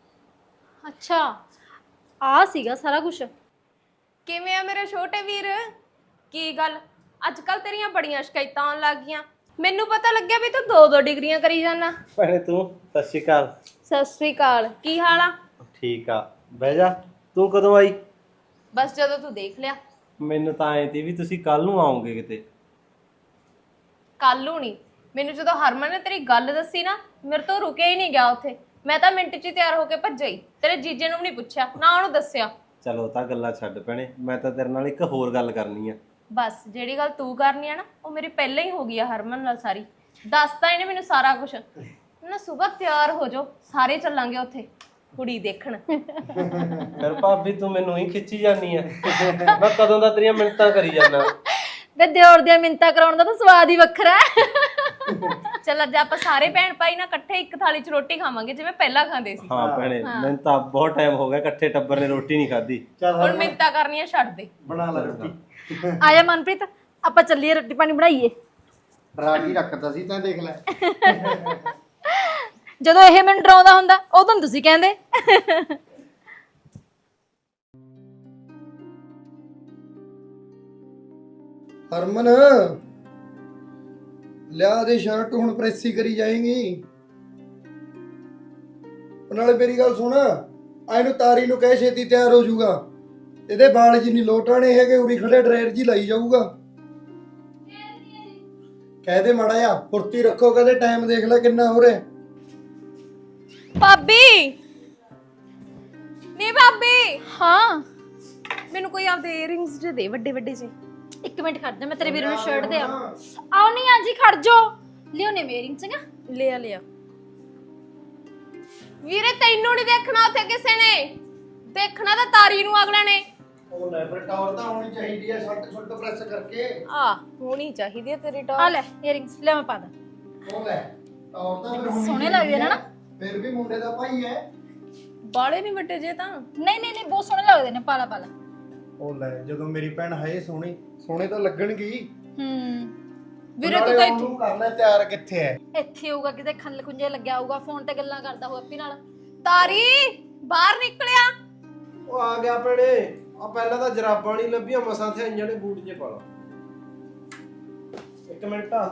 [SPEAKER 2] ਅੱਛਾ ਆ ਸੀਗਾ ਸਾਰਾ ਕੁਝ।
[SPEAKER 8] ਕਿਵੇਂ ਆ ਮੇਰੇ ਛੋਟੇ ਵੀਰ? ਕੀ ਗੱਲ ਅੱਜ ਕੱਲ ਤੇਰੀਆਂ ਬੜੀਆਂ ਸ਼ਿਕਾਇਤਾਂ ਆਉਣ ਲੱਗ ਗਈਆਂ। ਮੈਨੂੰ ਪਤਾ ਲੱਗਿਆ ਵੀ ਤੂੰ 2-2 ਡਿਗਰੀਆਂ ਕਰੀ ਜਾਣਾ।
[SPEAKER 6] ਭੈਣੇ ਤੂੰ ਸਤਿ ਸ਼੍ਰੀ ਅਕਾਲ।
[SPEAKER 8] ਸਤਿ ਸ੍ਰੀ ਅਕਾਲ, ਕੀ ਹਾਲ ਆ?
[SPEAKER 6] ਠੀਕ ਆ, ਬਹਿ ਜਾ। ਤੂੰ ਕਦੋਂ ਆਈ?
[SPEAKER 8] ਬਸ ਜਦੋਂ ਤੂੰ ਦੇਖ ਲਿਆ।
[SPEAKER 6] ਮੈਨੂੰ ਤਾਂ ਆਏ ਤੀ ਵੀ ਤੁਸੀਂ ਕੱਲ ਨੂੰ ਆਓਗੇ ਕਿਤੇ।
[SPEAKER 8] ਕੱਲ ਨੂੰ ਨਹੀਂ, ਮੈਨੂੰ ਜਦੋਂ ਹਰਮਨ ਨੇ ਤੇਰੀ ਗੱਲ ਦੱਸੀ ਨਾ, ਮੇਰੇ ਤੋਂ ਰੁਕਿਆ ਹੀ ਨਹੀਂ ਗਿਆ ਉੱਥੇ। ਮੈਂ ਤਾਂ ਮਿੰਟ 'ਚ ਹੀ ਤਿਆਰ ਹੋ ਕੇ ਭੱਜਿਆ ਹੀ। ਤੇਰੇ ਜੀਜੇ ਨੂੰ ਵੀ ਨਹੀਂ ਪੁੱਛਿਆ, ਨਾ ਉਹਨੂੰ ਦੱਸਿਆ।
[SPEAKER 6] ਚਲੋ ਤਾਂ ਗੱਲਾਂ ਛੱਡ ਭੈਣੇ, ਮੈਂ ਤਾਂ ਤੇਰੇ ਨਾਲ ਇੱਕ ਹੋਰ ਗੱਲ ਕਰਨੀ ਆ।
[SPEAKER 8] ਬਸ ਜਿਹੜੀ ਗੱਲ ਤੂੰ ਕਰਨੀ ਆ ਨਾ, ਉਹ ਮੇਰੀ ਪਹਿਲਾਂ ਹੀ ਹੋ ਗਈ ਆ ਹਰਮਨ ਨਾਲ ਸਾਰੀ। ਦੱਸਤਾ ਇਹਨੇ ਮੈਨੂੰ ਸਾਰਾ ਕੁਝ। ਨਾ ਸਵੇਰ ਤਿਆਰ ਹੋ ਜਾਓ, ਸਾਰੇ ਚੱਲਾਂਗੇ ਉੱਥੇ ਕੁੜੀ ਦੇਖਣ।
[SPEAKER 6] ਫਿਰ ਭਾਬੀ ਤੂੰ ਮੈਨੂੰ ਹੀ ਖਿੱਚੀ ਜਾਨੀ ਆ। ਮੈਂ ਕਦੋਂ ਦਾ ਤੇਰੀਆਂ ਮਿੰਨਤਾਂ ਕਰੀ ਜਾਂਦਾ।
[SPEAKER 2] ਵੇ ਦਿਓਰ ਦੀਆਂ ਮਿੰਤਾ ਕਰਾਉਣ ਦਾ ਤਾਂ ਸਵਾਦ ਹੀ ਵੱਖਰਾ ਹੈ।
[SPEAKER 8] ਚੱਲ ਅੱਜ ਆਪਾਂ ਸਾਰੇ ਭੈਣ ਭਾਈ ਨਾ ਇਕੱਠੇ ਇੱਕ ਥਾਲੀ 'ਚ ਰੋਟੀ ਖਾਵਾਂਗੇ ਜਿਵੇਂ ਪਹਿਲਾਂ ਖਾਂਦੇ ਸੀ।
[SPEAKER 6] ਹਾਂ ਭੈਣੇ, ਮੈਨੂੰ ਤਾਂ ਬਹੁਤ ਟਾਈਮ ਹੋ ਗਿਆ ਇਕੱਠੇ ਟੱਬਰ ਨੇ ਰੋਟੀ ਨਹੀਂ ਖਾਧੀ।
[SPEAKER 8] ਹੁਣ ਮਿੰਤਾ ਕਰਨੀਆਂ ਛੱਡ ਦੇ।
[SPEAKER 3] ਬਣਾ ਲੈ ਰੋਟੀ।
[SPEAKER 2] ਆਇਆ ਮਨਪ੍ਰੀਤ, ਆਪਾਂ ਚੱਲੀਏ ਰੋਟੀ ਪਾਣੀ ਬਣਾਈਏ।
[SPEAKER 3] ਡਰਾ ਕੇ ਰੱਖਤਾ ਸੀ ਤਾਂ ਦੇਖ ਲੈ।
[SPEAKER 2] ਜਦੋਂ ਇਹ ਮੈਨੂੰ ਡਰਾਉਂਦਾ ਹੁੰਦਾ ਉਦੋਂ ਤੁਸੀਂ ਕਹਿੰਦੇ।
[SPEAKER 3] ਹਰਮਨ ਲਿਆ ਦੇ ਸ਼ਰਟ, ਹੁਣ ਪ੍ਰੈਸ ਹੀ ਕਰੀ ਜਾਏਗੀ। ਨਾਲੇ ਮੇਰੀ ਗੱਲ ਸੁਣ, ਆਏ ਨੂੰ ਤਾਰੀ ਨੂੰ ਕਹਿ ਛੇਤੀ ਤਿਆਰ ਹੋ ਜਾਊਗਾ। ਇਹਦੇ ਵਾਲ ਜੀ ਨਹੀਂ ਲੋਟਾਣੇ ਹੈਗੇ, ਉਰੀ ਖੜੇ ਡਰਾਈਰ ਜੀ ਲਾਈ ਜਾਊਗਾ। ਕਹਿ ਦੇ ਮਾੜਾ ਜਿਹਾ ਫੁਰਤੀ ਰੱਖੋ, ਕਹਿੰਦੇ ਟਾਈਮ ਦੇਖ ਲੈ ਕਿੰਨਾ ਹੋ ਰਿਹਾ।
[SPEAKER 8] ਭਾਬੀ ਨੀ ਭਾਬੀ,
[SPEAKER 2] ਹਾਂ
[SPEAKER 8] ਮੈਨੂੰ ਕੋਈ ਆਪਦੇ ਈਅਰਿੰਗਸ ਜੇ ਦੇ ਵੱਡੇ ਵੱਡੇ ਜੇ।
[SPEAKER 2] ਇੱਕ ਮਿੰਟ ਖੜ ਜਾ, ਮੈਂ ਤੇਰੇ ਵੀਰ ਨੂੰ ਸ਼ਰਟ ਦੇ ਆਉ ਨਹੀਂ ਆਜੀ, ਖੜ ਜਾ। ਲਿਓ ਨੇ ਮੇਰਿੰਗ ਚੰਗਾ,
[SPEAKER 8] ਲਿਆ ਲਿਆ। ਵੀਰੇ ਤੈਨੂੰ ਨਹੀਂ ਦੇਖਣਾ ਉੱਥੇ ਕਿਸੇ ਨੇ, ਦੇਖਣਾ ਤਾਂ ਤਾਰੀ ਨੂੰ ਅਗਲੇ ਨੇ।
[SPEAKER 3] ਉਹ ਲੈ ਫਿਰ ਟਾਵਰ ਤਾਂ ਹੋਣੀ ਚਾਹੀਦੀ ਹੈ, ਸ਼ਰਟ ਸ਼ੁੱਟ ਪ੍ਰੈਸ ਕਰਕੇ।
[SPEAKER 8] ਆ ਹੋਣੀ ਚਾਹੀਦੀ ਹੈ ਤੇਰੀ
[SPEAKER 2] ਆ
[SPEAKER 8] ਟੌਰ।
[SPEAKER 2] ਲੈ ਇਅਰਿੰਗਸ ਲੈ, ਮੈਂ ਪਾ ਦਾਂ।
[SPEAKER 3] ਉਹ ਲੈ ਟਾਵਰ ਤਾਂ ਫਿਰ ਹੋਣੀ
[SPEAKER 2] ਸੋਹਣੇ ਲੱਗਦੇ ਨੇ ਨਾ।
[SPEAKER 3] ਫਿਰ ਵੀ ਮੁੰਡੇ ਦਾ ਭਾਈ ਹੈ।
[SPEAKER 8] ਬਾਲੇ ਨਹੀਂ ਵੱਡੇ ਜੇ ਤਾਂ।
[SPEAKER 2] ਨਹੀਂ ਨਹੀਂ ਨਹੀਂ, ਬਹੁਤ ਸੋਹਣੇ ਲੱਗਦੇ ਨੇ, ਪਾਲਾ ਪਾਲਾ।
[SPEAKER 3] ਉਹ ਲੈ ਜਦੋਂ ਮੇਰੀ ਭੈਣ ਹੈ ਸੋਹਣੀ, ਸੋਹਣੇ ਤਾਂ ਲੱਗਣਗੇ।
[SPEAKER 8] ਵੀਰੇ ਤੂੰ ਤਾਂ ਇੱਥੇ
[SPEAKER 3] ਕਰ ਲੈ ਤਿਆਰ, ਕਿੱਥੇ ਹੈ?
[SPEAKER 2] ਇੱਥੇ ਹੋਊਗਾ ਕਿਤੇ ਖੱਲ ਖੁੰਝੇ ਲੱਗਿਆ ਹੋਊਗਾ, ਫੋਨ ਤੇ ਗੱਲਾਂ ਕਰਦਾ ਹੋਊ ਅੱਪੀ ਨਾਲ।
[SPEAKER 8] ਤਾਰੀ ਬਾਹਰ ਨਿਕਲਿਆ।
[SPEAKER 1] ਉਹ ਆ ਗਿਆ ਭੈਣੇ। ਆ ਪਹਿਲਾਂ ਤਾਂ ਜਰਾਬਾਂ ਨਹੀਂ ਲੱਭੀਆਂ, ਮਸਾਂ ਤੇ ਆਈਆਂ ਨੇ ਬੂਟ ਜੇ ਪਾ ਲਾ। ਇੱਕ ਮਿੰਟ ਆ।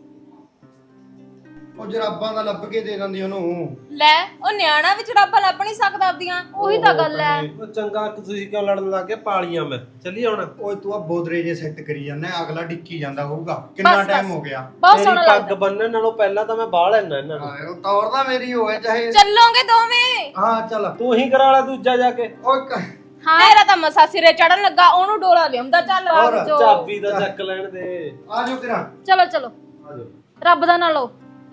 [SPEAKER 3] ਉਹ ਜਰਾਬਾਂ ਦਾ ਲੱਭ ਕੇ ਦੇ ਦਿੰਦੀ ਉਹਨੂੰ।
[SPEAKER 8] ਲੈ ਉਹ ਨਿਆਣਾ ਵਿੱਚ ਰੱਬ ਲੱਭ ਨਹੀਂ ਸਕਦਾ ਆਪਦੀਆਂ।
[SPEAKER 2] ਉਹੀ ਤਾਂ ਗੱਲ ਹੈ।
[SPEAKER 6] ਉਹ ਚੰਗਾ ਤੁਸੀਂ ਕਿਉਂ ਲੜਨ ਲੱਗ ਗਏ? ਪਾਲੀਆਂ ਮੈਂ ਚੱਲੀ ਹੁਣ।
[SPEAKER 3] ਓਏ ਤੂੰ ਆ ਬੋਦਰੇ ਜੇ ਸੈੱਟ ਕਰੀ ਜਾਂਦਾ, ਅਗਲਾ ਡਿੱਕੀ ਜਾਂਦਾ ਹੋਊਗਾ। ਕਿੰਨਾ ਟਾਈਮ ਹੋ ਗਿਆ?
[SPEAKER 2] ਬਹੁਤ ਸੋਹਣਾ
[SPEAKER 6] ਪੱਗ
[SPEAKER 2] ਲੱਗਦਾ।
[SPEAKER 6] ਬੰਨਣ ਨਾਲੋਂ ਪਹਿਲਾਂ ਤਾਂ ਮੈਂ ਬਾਹ ਲੈਣਾ ਇਹਨਾਂ ਨੂੰ।
[SPEAKER 3] ਉਹ ਤੌਰ ਤਾਂ ਮੇਰੀ ਹੋਵੇ ਚਾਹੇ।
[SPEAKER 8] ਚੱਲੋਗੇ ਦੋਵੇਂ?
[SPEAKER 3] ਹਾਂ ਚੱਲ।
[SPEAKER 6] ਤੂੰ ਹੀ ਕਰਾ ਲੈ ਦੂਜਾ ਜਾ ਕੇ।
[SPEAKER 3] ਓਏ
[SPEAKER 2] ਹਾਂ
[SPEAKER 8] ਤੇਰਾ ਤਾਂ ਮਸਾ ਸਿਰੇ ਚੜਨ ਲੱਗਾ, ਉਹਨੂੰ ਡੋਲਾ ਲਿਆਉਂਦਾ। ਚੱਲ
[SPEAKER 3] ਹੋਰ,
[SPEAKER 8] ਰੱਬ ਜੋ।
[SPEAKER 6] ਚਾਬੀ ਦਾ ਚੱਕ ਲੈਣ ਦੇ।
[SPEAKER 3] ਆ ਜਾਓ ਕਿਰਾ।
[SPEAKER 2] ਚਲੋ ਚਲੋ,
[SPEAKER 6] ਆ ਜਾਓ।
[SPEAKER 2] ਰੱਬ ਦਾ ਨਾ ਲਓ।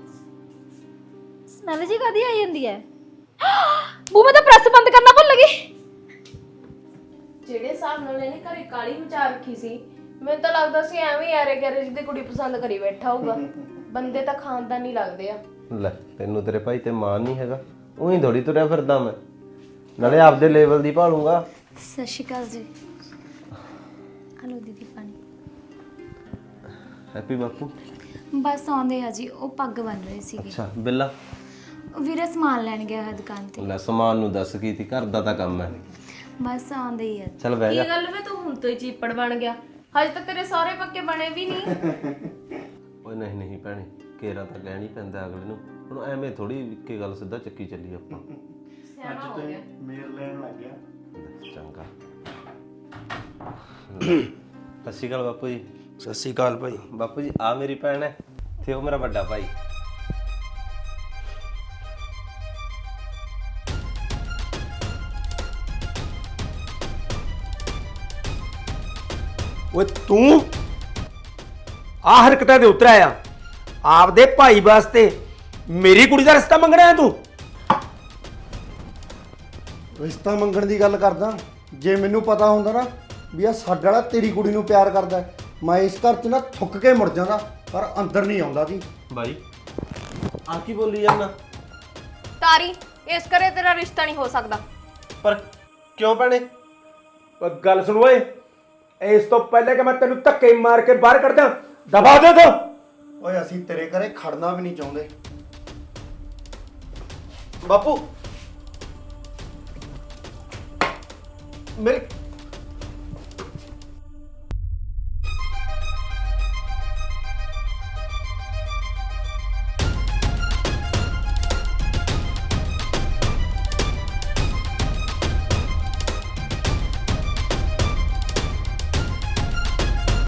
[SPEAKER 2] ਸਮੈਲ ਜੀ ਕਾਦੀ ਆਈ ਜਾਂਦੀ ਹੈ? ਬੂ ਮੈਂ ਤਾਂ ਪ੍ਰੈਸ ਬੰਦ ਕਰਨਾ ਭੁੱਲ ਗਈ।
[SPEAKER 8] ਜਿਹੜੇ ਹਿਸਾਬ ਨਾਲ ਇਹਨੇ ਘਰੇ ਕਾਲੀ ਮਚਾ ਰੱਖੀ ਸੀ, ਮੈਨੂੰ ਤਾਂ ਲੱਗਦਾ ਸੀ ਐਵੇਂ ਹੀ ਆਰੇ ਗੈਰੇ ਜਿਹਦੀ ਕੁੜੀ ਪਸੰਦ ਕਰੀ ਬੈਠਾ ਹੋਊਗਾ। ਬੰਦੇ ਤਾਂ ਖਾਨਦਾਨੀ ਲੱਗਦੇ ਆ।
[SPEAKER 6] ਲੈ ਤੈਨੂੰ ਤੇਰੇ ਭਾਈ ਤੇ ਮਾਨ ਨਹੀਂ ਹੈਗਾ, ਉਹੀ ਥੋੜੀ ਤੁਰਿਆ ਫਿਰਦਾ ਮੈਂ। ਨਾਲੇ ਆਪਦੇ ਲੈਵਲ ਦੀ ਭਾਲੂੰਗਾ।
[SPEAKER 4] ਸਤਿ ਸ਼੍ਰੀ ਅਕਾਲ ਜੀ। ਹਲੋ ਦੀਦੀ ਪਾਣੀ।
[SPEAKER 6] ਹੈਪੀ ਬਾਪੂ।
[SPEAKER 4] ਬਸ ਆਉਂਦੇ ਆ ਜੀ, ਉਹ ਪੱਗ ਬੰਨ ਰਹੇ ਸੀਗੇ।
[SPEAKER 6] ਅੱਛਾ ਬਿੱਲਾ।
[SPEAKER 4] ਵੀਰੇ ਸਮਾਨ ਲੈਣ ਗਿਆ ਹੈ ਦੁਕਾਨ ਤੇ।
[SPEAKER 6] ਲੈ ਸਮਾਨ ਨੂੰ ਦੱਸ ਕੀ ਤੀ, ਘਰ ਦਾ ਤਾਂ ਕੰਮ ਹੈ।
[SPEAKER 4] ਬਸ ਆਉਂਦੇ ਹੀ ਆ।
[SPEAKER 6] ਚੱਲ ਬਹਿ ਜਾ।
[SPEAKER 8] ਕੀ ਗੱਲ ਵੇ ਤੂੰ ਹੁਣ ਤੋਂ ਹੀ ਚੀਪੜ ਬਣ ਗਿਆ? ਹਜੇ ਤਾਂ ਤੇਰੇ ਸਾਰੇ ਪੱਕੇ ਬਣੇ ਵੀ ਨਹੀਂ।
[SPEAKER 6] ਓਏ ਨਹੀਂ ਨਹੀਂ ਭੈਣੇ, ਕੇਰਾ ਤਾਂ ਲੈਣੀ ਪੈਂਦਾ ਅਗਲੇ ਨੂੰ। ਹੁਣ ਐਵੇਂ ਥੋੜੀ ਇੱਕੇ ਗੱਲ ਸਿੱਧਾ ਚੱਕੀ ਚੱਲੀ ਆਪਾਂ।
[SPEAKER 8] ਸਿਆਣਾ ਹੋ ਗਿਆ।
[SPEAKER 3] ਮੇਰ ਲੈਣ ਲੱਗ ਗਿਆ।
[SPEAKER 6] ਚੰਗਾ। ਸਤਿ ਸ਼੍ਰੀ ਅਕਾਲ ਬਾਪੂ ਜੀ।
[SPEAKER 1] ਸਤਿ ਸ਼੍ਰੀ ਅਕਾਲ ਭਾਈ।
[SPEAKER 6] ਬਾਪੂ ਜੀ ਆ ਮੇਰੀ ਭੈਣ ਹੈ ਤੇ ਉਹ ਮੇਰਾ ਵੱਡਾ ਭਾਈ।
[SPEAKER 1] ਓਏ ਤੂੰ ਆ ਹਰਕਤਾਂ ਦੇ ਉਤਰ ਆਇਆ ਆਪਦੇ ਭਾਈ ਵਾਸਤੇ ਮੇਰੀ ਕੁੜੀ ਦਾ ਰਿਸ਼ਤਾ ਮੰਗਣਾ ਹੈ ਤੂੰ?
[SPEAKER 3] ਰਿਸ਼ਤਾ ਮੰਗਣ ਦੀ ਗੱਲ ਕਰਦਾ, ਜੇ ਮੈਨੂੰ ਪਤਾ ਹੁੰਦਾ ਨਾ ਵੀ ਆ ਸਾਡੇ ਵਾਲਾ ਤੇਰੀ ਕੁੜੀ ਨੂੰ ਪਿਆਰ ਕਰਦਾ ਹੈ, ਮੈਂ ਇਸ ਘਰ 'ਚ ਨਾ ਥੁੱਕ ਕੇ ਮੁੜ ਜਾਂਦਾ, ਪਰ ਅੰਦਰ ਨਹੀਂ ਆਉਂਦਾ ਸੀ।
[SPEAKER 6] ਬਾਈ ਆ ਕੀ ਬੋਲੀ ਜਾਂਦਾ?
[SPEAKER 8] ਤਾਰੀ, ਇਸ ਕਰੇ ਤੇਰਾ ਰਿਸ਼ਤਾ ਨਹੀਂ ਹੋ ਸਕਦਾ।
[SPEAKER 6] ਪਰ ਕਿਉਂ ਭੈਣੇ?
[SPEAKER 1] ਓਏ ਗੱਲ ਸੁਣ ਓਏ, ਇਸ ਤੋਂ ਪਹਿਲੇ ਕਿ ਮੈਂ ਤੈਨੂੰ ਧੱਕੇ ਮਾਰ ਕੇ ਬਾਹਰ ਕੱਢ ਦਾਂ, ਦਬਾ ਦੇ ਤੂੰ।
[SPEAKER 3] ਓਏ ਅਸੀਂ ਤੇਰੇ ਘਰੇ ਖੜਨਾ ਵੀ ਨਹੀਂ ਚਾਹੁੰਦੇ।
[SPEAKER 6] ਬਾਪੂ ਮੇਰੀ